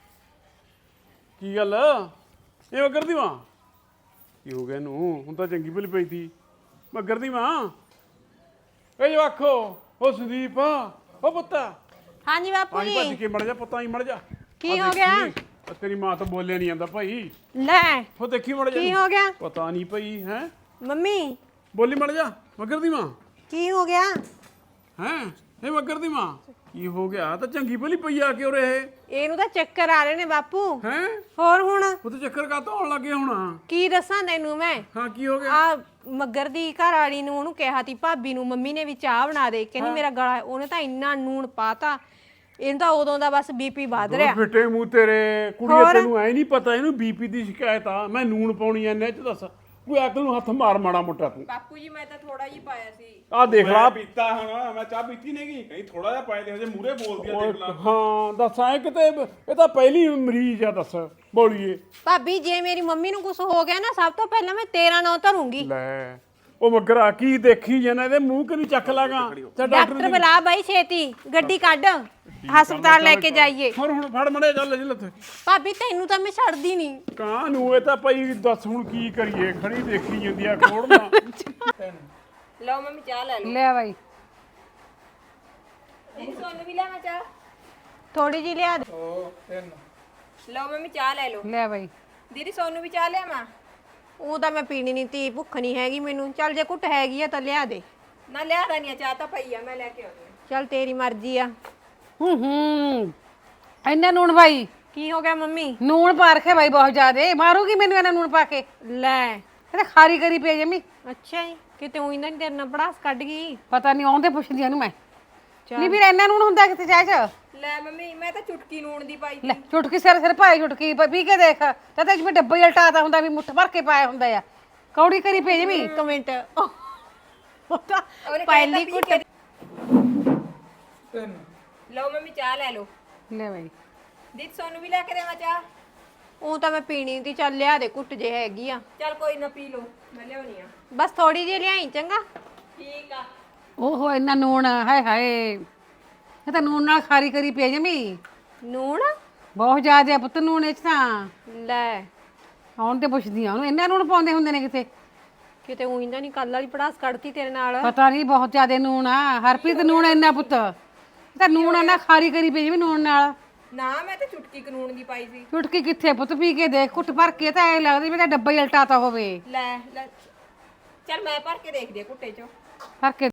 Speaker 1: ਕੀ ਗੱਲ ਇਹ ਮੱਗਰ ਦੀ ਵਾਂ ਕੀ ਹੋ ਗਿਆ ਇਹਨੂੰ ਹੁਣ ਤਾਂ ਚੰਗੀ ਭਲੀ ਪਈ ਤੀ ਮੱਗਰ ਦੀ ਮਾਂ ਏ ਜਵਾਖੋ ਉਹ ਸੰਦੀਪ ਉਹ ਪੁੱਤਾ
Speaker 5: ਹਾਂਜੀ ਬਾਪੂ
Speaker 1: ਆਈ ਭੱਜ
Speaker 5: ਜੀ
Speaker 1: ਕੇ ਮੜ ਜਾ ਪੁੱਤਾ ਆਈ ਮੜ ਜਾ
Speaker 5: ਕੀ ਹੋ ਗਿਆ
Speaker 1: ਤੇਰੀ ਮਾਂ ਤਾਂ ਬੋਲਿਆ ਨਹੀਂ ਜਾਂਦਾ ਭਾਈ
Speaker 5: ਲੈ
Speaker 1: ਉਹ ਦੇਖੀ ਮੜ ਜਾ
Speaker 5: ਕੀ ਹੋ ਗਿਆ
Speaker 1: ਪਤਾ ਨਹੀਂ ਭਾਈ ਹੈ
Speaker 5: ਮੰਮੀ
Speaker 1: ਬੋਲੀ ਮੜ ਜਾ ਮੱਗਰ ਦੀ ਮਾਂ
Speaker 5: ਕੀ ਹੋ ਗਿਆ
Speaker 1: ਹੈ ਇਹ ਮੱਗਰ ਦੀ ਮਾਂ ਕੀ ਹੋ ਗਿਆ ਤਾਂ ਚੰਗੀ ਭਲੀ ਪਈ ਆ ਕੇ ਉਰੇ
Speaker 5: ਇਹਨੂੰ ਤਾਂ ਚੱਕਰ ਆ ਰਹੇ ਨੇ ਬਾਪੂ
Speaker 1: ਹੈ
Speaker 5: ਹੋਰ ਹੁਣ
Speaker 1: ਉਹ ਤਾਂ ਚੱਕਰ ਕਾਤੋਂ ਆਉਣ ਲੱਗੇ ਹੁਣ
Speaker 5: ਕੀ ਦੱਸਾਂ ਤੈਨੂੰ ਮੈਂ
Speaker 1: ਹਾਂ ਕੀ ਹੋ ਗਿਆ
Speaker 5: ਆ ਮੱਗਰ ਦੀ ਘਰ ਵਾਲੀ ਨੂੰ ਉਹਨੂੰ ਕਿਹਾ ਤੀ ਭਾਬੀ ਨੂੰ ਮੰਮੀ ਨੇ ਵੀ ਚਾਹ ਬਣਾ ਦੇ ਕਹਿੰਦੀ ਮੇਰਾ ਗਲਾ ਉਹਨੇ ਤਾਂ ਇੰਨਾ ਨੂਣ ਪਾਤਾ ਇਹਨੂੰ ਤਾਂ ਉਦੋਂ ਦਾ ਬਸ ਬੀਪੀ ਵੱਧ ਰਿਹਾ
Speaker 1: ਫਿੱਟੇ ਮੂੰਹ ਤੇਰੇ ਕੁੜੀਏ ਤੈਨੂੰ ਐ ਨਹੀਂ ਪਤਾ ਇਹਨੂੰ ਬੀਪੀ ਦੀ ਸ਼ਿਕਾਇਤ ਆ ਮੈਂ ਨੂਣ ਪਾਉਣੀ ਐ ਨੇ ਚ ਦੱਸ ਕੋਈ ਅਕਲ ਨੂੰ ਹੱਥ ਮਾਰ ਮਾੜਾ ਮੋਟਾ ਤੂੰ
Speaker 6: ਬਾਪੂ ਜੀ ਮੈਂ ਤਾਂ ਥੋੜਾ ਜਿਹਾ ਪਾਇਆ ਸੀ
Speaker 1: ਆ ਦੇਖ ਲਾ
Speaker 4: ਪੀਤਾ ਹੁਣ ਮੈਂ ਚਾਹ ਪੀਤੀ ਨਹੀਂਗੀ ਕਹੀਂ ਥੋੜਾ ਜਿਹਾ ਪਾਏ ਦੇ ਹਜੇ ਮੂਰੇ ਬੋਲਦੀ ਆ ਦੇਖ ਲਾ
Speaker 1: ਹਾਂ ਦੱਸ ਐ ਕਿਤੇ ਇਹ ਤਾਂ ਪਹਿਲੀ ਮਰੀਜ਼ ਆ ਦੱਸ ਬੋਲੀਏ
Speaker 5: ਭਾਬੀ ਜੇ ਮੇਰੀ ਮੰਮੀ ਨੂੰ ਕੁਝ ਹੋ ਗਿਆ ਨਾ ਸਭ ਤੋਂ ਪਹਿਲਾਂ ਮੈਂ ਤੇਰਾ ਨਾਂ ਧਰੂੰਗੀ
Speaker 1: ਲੈ ਉਹ ਮਗਰਾ ਕੀ ਦੇਖੀ ਜਾਣਾ ਇਹਦੇ ਮੂੰਹ ਕਿ ਨਹੀਂ ਚੱਕ ਲਾਗਾ ਤੇ
Speaker 5: ਡਾਕਟਰ ਬੁਲਾ ਬਾਈ ਛੇਤੀ ਗੱਡੀ ਕੱਢ ਹਸਪਤਾਲ ਲੈ ਕੇ ਜਾਈਏ
Speaker 1: ਹੁਣ ਹੁਣ ਫੜ ਮੜੇ ਚੱਲ ਜੀ ਲੱਥੇ
Speaker 5: ਭਾਬੀ ਤੈਨੂੰ ਤਾਂ ਮੈਂ ਛੱਡਦੀ ਨਹੀਂ
Speaker 1: ਕਾਂ ਨੂੰ ਇਹ ਤਾਂ ਭਾਈ ਦੱਸ ਹੁਣ ਕੀ ਕਰੀਏ ਖੜੀ ਦੇਖੀ ਜਾਂਦੀ ਆ ਕੋੜਨਾ
Speaker 6: ਲਓ ਮੰਮੀ ਚਾਹ ਲੈ ਲਓ
Speaker 3: ਲੈ ਬਾਈ
Speaker 6: ਦੀਦੀ ਸੋਨੂੰ ਵੀ ਲਿਆਵਾਂ ਚਾਹ
Speaker 5: ਥੋੜੀ ਜਿਹੀ ਲਿਆ ਦੇ
Speaker 2: ਉਹ ਤਿੰਨ
Speaker 6: ਲਓ ਮੰਮੀ ਚਾਹ ਲੈ ਲਓ
Speaker 3: ਲੈ ਬਾਈ
Speaker 6: ਦੀਦੀ ਸੋਨੂੰ ਵੀ ਚਾਹ ਲਿਆਵਾਂ
Speaker 5: ਉਹ ਤਾਂ ਮੈਂ ਪੀਣੀ ਨਹੀਂ ਤੀ ਭੁੱਖ ਨਹੀਂ ਹੈਗੀ ਮੈਨੂੰ ਚੱਲ ਜੇ ਘੁੱਟ ਹੈਗੀ ਆ ਤਾਂ ਲਿਆ ਦੇ
Speaker 6: ਨਾ ਲਿਆ ਤਾਂ ਨਹੀਂ ਚਾਹ ਤਾਂ ਪਈ ਆ ਮੈਂ ਲੈ ਕੇ ਆਉਂਦੀ ਹਾਂ
Speaker 5: ਚੱਲ ਤੇਰੀ ਮਰਜ਼ੀ ਆ
Speaker 3: ਹੂੰ ਹੂੰ ਇੰਨਾ ਨੂਣ ਬਾਈ
Speaker 5: ਕੀ ਹੋ ਗਿਆ ਮੰਮੀ
Speaker 3: ਨੂਣ ਪਾ ਰੱਖਿਆ ਬਾਈ ਬਹੁਤ ਜ਼ਿਆਦੇ ਮਾਰੂਗੀ ਮੈਨੂੰ ਇਹਨਾਂ ਨੂਣ ਪਾ ਕੇ
Speaker 5: ਲੈ
Speaker 3: ਇਹਨੇ ਖਾਰੀ ਕਰੀ ਪਈ ਜਮੀ
Speaker 5: ਅੱਛਾ ਜੀ ਕਿਤੇ ਉਹੀ ਨਾ ਤੇਰੇ ਨਾਲ ਪੜਾਸ ਕੱਢ ਗਈ
Speaker 3: ਪਤਾ ਨਹੀਂ ਆਉਂਦੇ ਪੁੱਛਦੀ ਇਹਨੂੰ ਮੈਂ ਨਹੀਂ ਵੀਰ ਇੰਨਾ ਨੂਣ ਹੁੰਦਾ ਕਿਤੇ ਚਾਹ ਚ
Speaker 6: ਲੈ ਮੰਮੀ ਮੈਂ ਤਾਂ ਚੁਟਕੀ ਨੂਣ ਦੀ ਪਾਈ
Speaker 3: ਲੈ ਚੁਟਕੀ ਸਿਰ ਸਿਰ ਭਾਈ ਚੁਟਕੀ ਪ- ਪੀ ਕੇ ਦੇਖ ਤੇ ਤੇ ਜਿਵੇਂ ਡੱਬਾ ਹੀ ਉਲਟਾਤਾ ਹੁੰਦਾ ਵੀ ਮੁੱਠ ਭਰ ਕੇ ਪਾਇਆ ਹੁੰਦਾ ਆ ਕੌੜੀ ਕਰੀ ਪਈ ਜਮੀ
Speaker 5: ਇੱਕ ਮਿੰਟ ਉਹ ਤਾਂ
Speaker 6: ਉਹਨੇ
Speaker 5: ਪਹਿਲੀ
Speaker 6: ਕਹਿਤਾ
Speaker 5: ਘੁੱਟ
Speaker 6: ਪੀ ਕੇ-
Speaker 2: ਤਿੰਨ
Speaker 6: ਲਓ ਮੰਮੀ ਚਾਹ ਲੈ ਲਓ
Speaker 3: ਲੈ ਬਾਈ
Speaker 6: ਦੀਦੀ ਸੋਨੂੰ ਵੀ ਲੈ ਕੇ ਦੇਵਾਂ ਚਾਹ
Speaker 5: ਉਹ ਤਾਂ ਮੈਂ ਪੀਣੀ ਤੀ, ਚੱਲ ਲਿਆ ਦੇ ਘੁੱਟ ਜੇ ਹੈਗੀ ਆ।
Speaker 6: ਚੱਲ ਕੋਈ ਨਾ ਪੀ ਲਓ, ਮੈਂ ਲਿਆਉਣੀ ਆ।
Speaker 5: ਬਸ ਥੋੜੀ ਜਿਹੀ ਲਿਆਈ ਚੰਗਾ।
Speaker 6: ਠੀਕ ਆ।
Speaker 3: ਓਹੋ ਇੰਨਾ ਨੂਣ, ਹਾਏ ਹਾਏ ਇਹ ਤਾਂ ਨੂਣ ਨਾਲ ਖਾਰੀ ਕਰੀ ਪਈ ਜਮੀ,
Speaker 5: ਨੂਣ
Speaker 3: ਬਹੁਤ ਜ਼ਿਆਦਾ ਪੁੱਤ ਨੂਣ ਇਹ 'ਚ ਤਾਂ।
Speaker 5: ਲੈ
Speaker 3: ਹੁਣ ਤੇ ਪੁੱਛਦੀ ਆ ਉਹਨੂੰ, ਇੰਨਾ ਨੂਣ ਪਾਉਂਦੇ ਹੁੰਦੇ ਨੇ ਕਿਤੇ?
Speaker 5: ਕਿਤੇ ਉਹੀ ਤਾਂ ਨਹੀਂ ਕੱਲ ਵਾਲੀ ਪੜਾਸ ਕੱਢਤੀ ਤੇਰੇ ਨਾਲ।
Speaker 3: ਪਤਾ ਨਹੀਂ, ਬਹੁਤ ਜ਼ਿਆਦਾ ਨੂਣ ਆ ਹਰਪ੍ਰੀਤ, ਨੂਣ ਇੰਨਾ ਪੁੱਤ, ਇਹ ਤਾਂ ਨੂਣ ਇੰਨਾ ਖਾਰੀ ਕਰੀ ਪਈ ਜਮੀ ਨੂਣ ਨਾਲ।
Speaker 6: ਨਾ ਮੈਂ ਤਾਂ ਚੁਟਕੀ ਕਾਨੂੰਨ ਦੀ ਪਾਈ ਸੀ।
Speaker 3: ਚੁਟਕੀ ਕਿੱਥੇ ਪੁੱਤ, ਪੀ ਕੇ ਦੇਖ ਘੁੱਟ ਭਰ ਕੇ, ਤਾਂ ਐ ਲੱਗਦਾ ਵੀ ਤਾਂ ਡੱਬਾ ਹੀ ਉਲਟਾਤਾ ਹੋਵੇ।
Speaker 6: ਲੈ ਲੈ ਚੱਲ ਮੈਂ ਭਰ ਕੇ ਦੇਖਦੀ ਆ ਘੁੱਟੇ ਚੋਂ।
Speaker 3: ਭਰ ਕੇ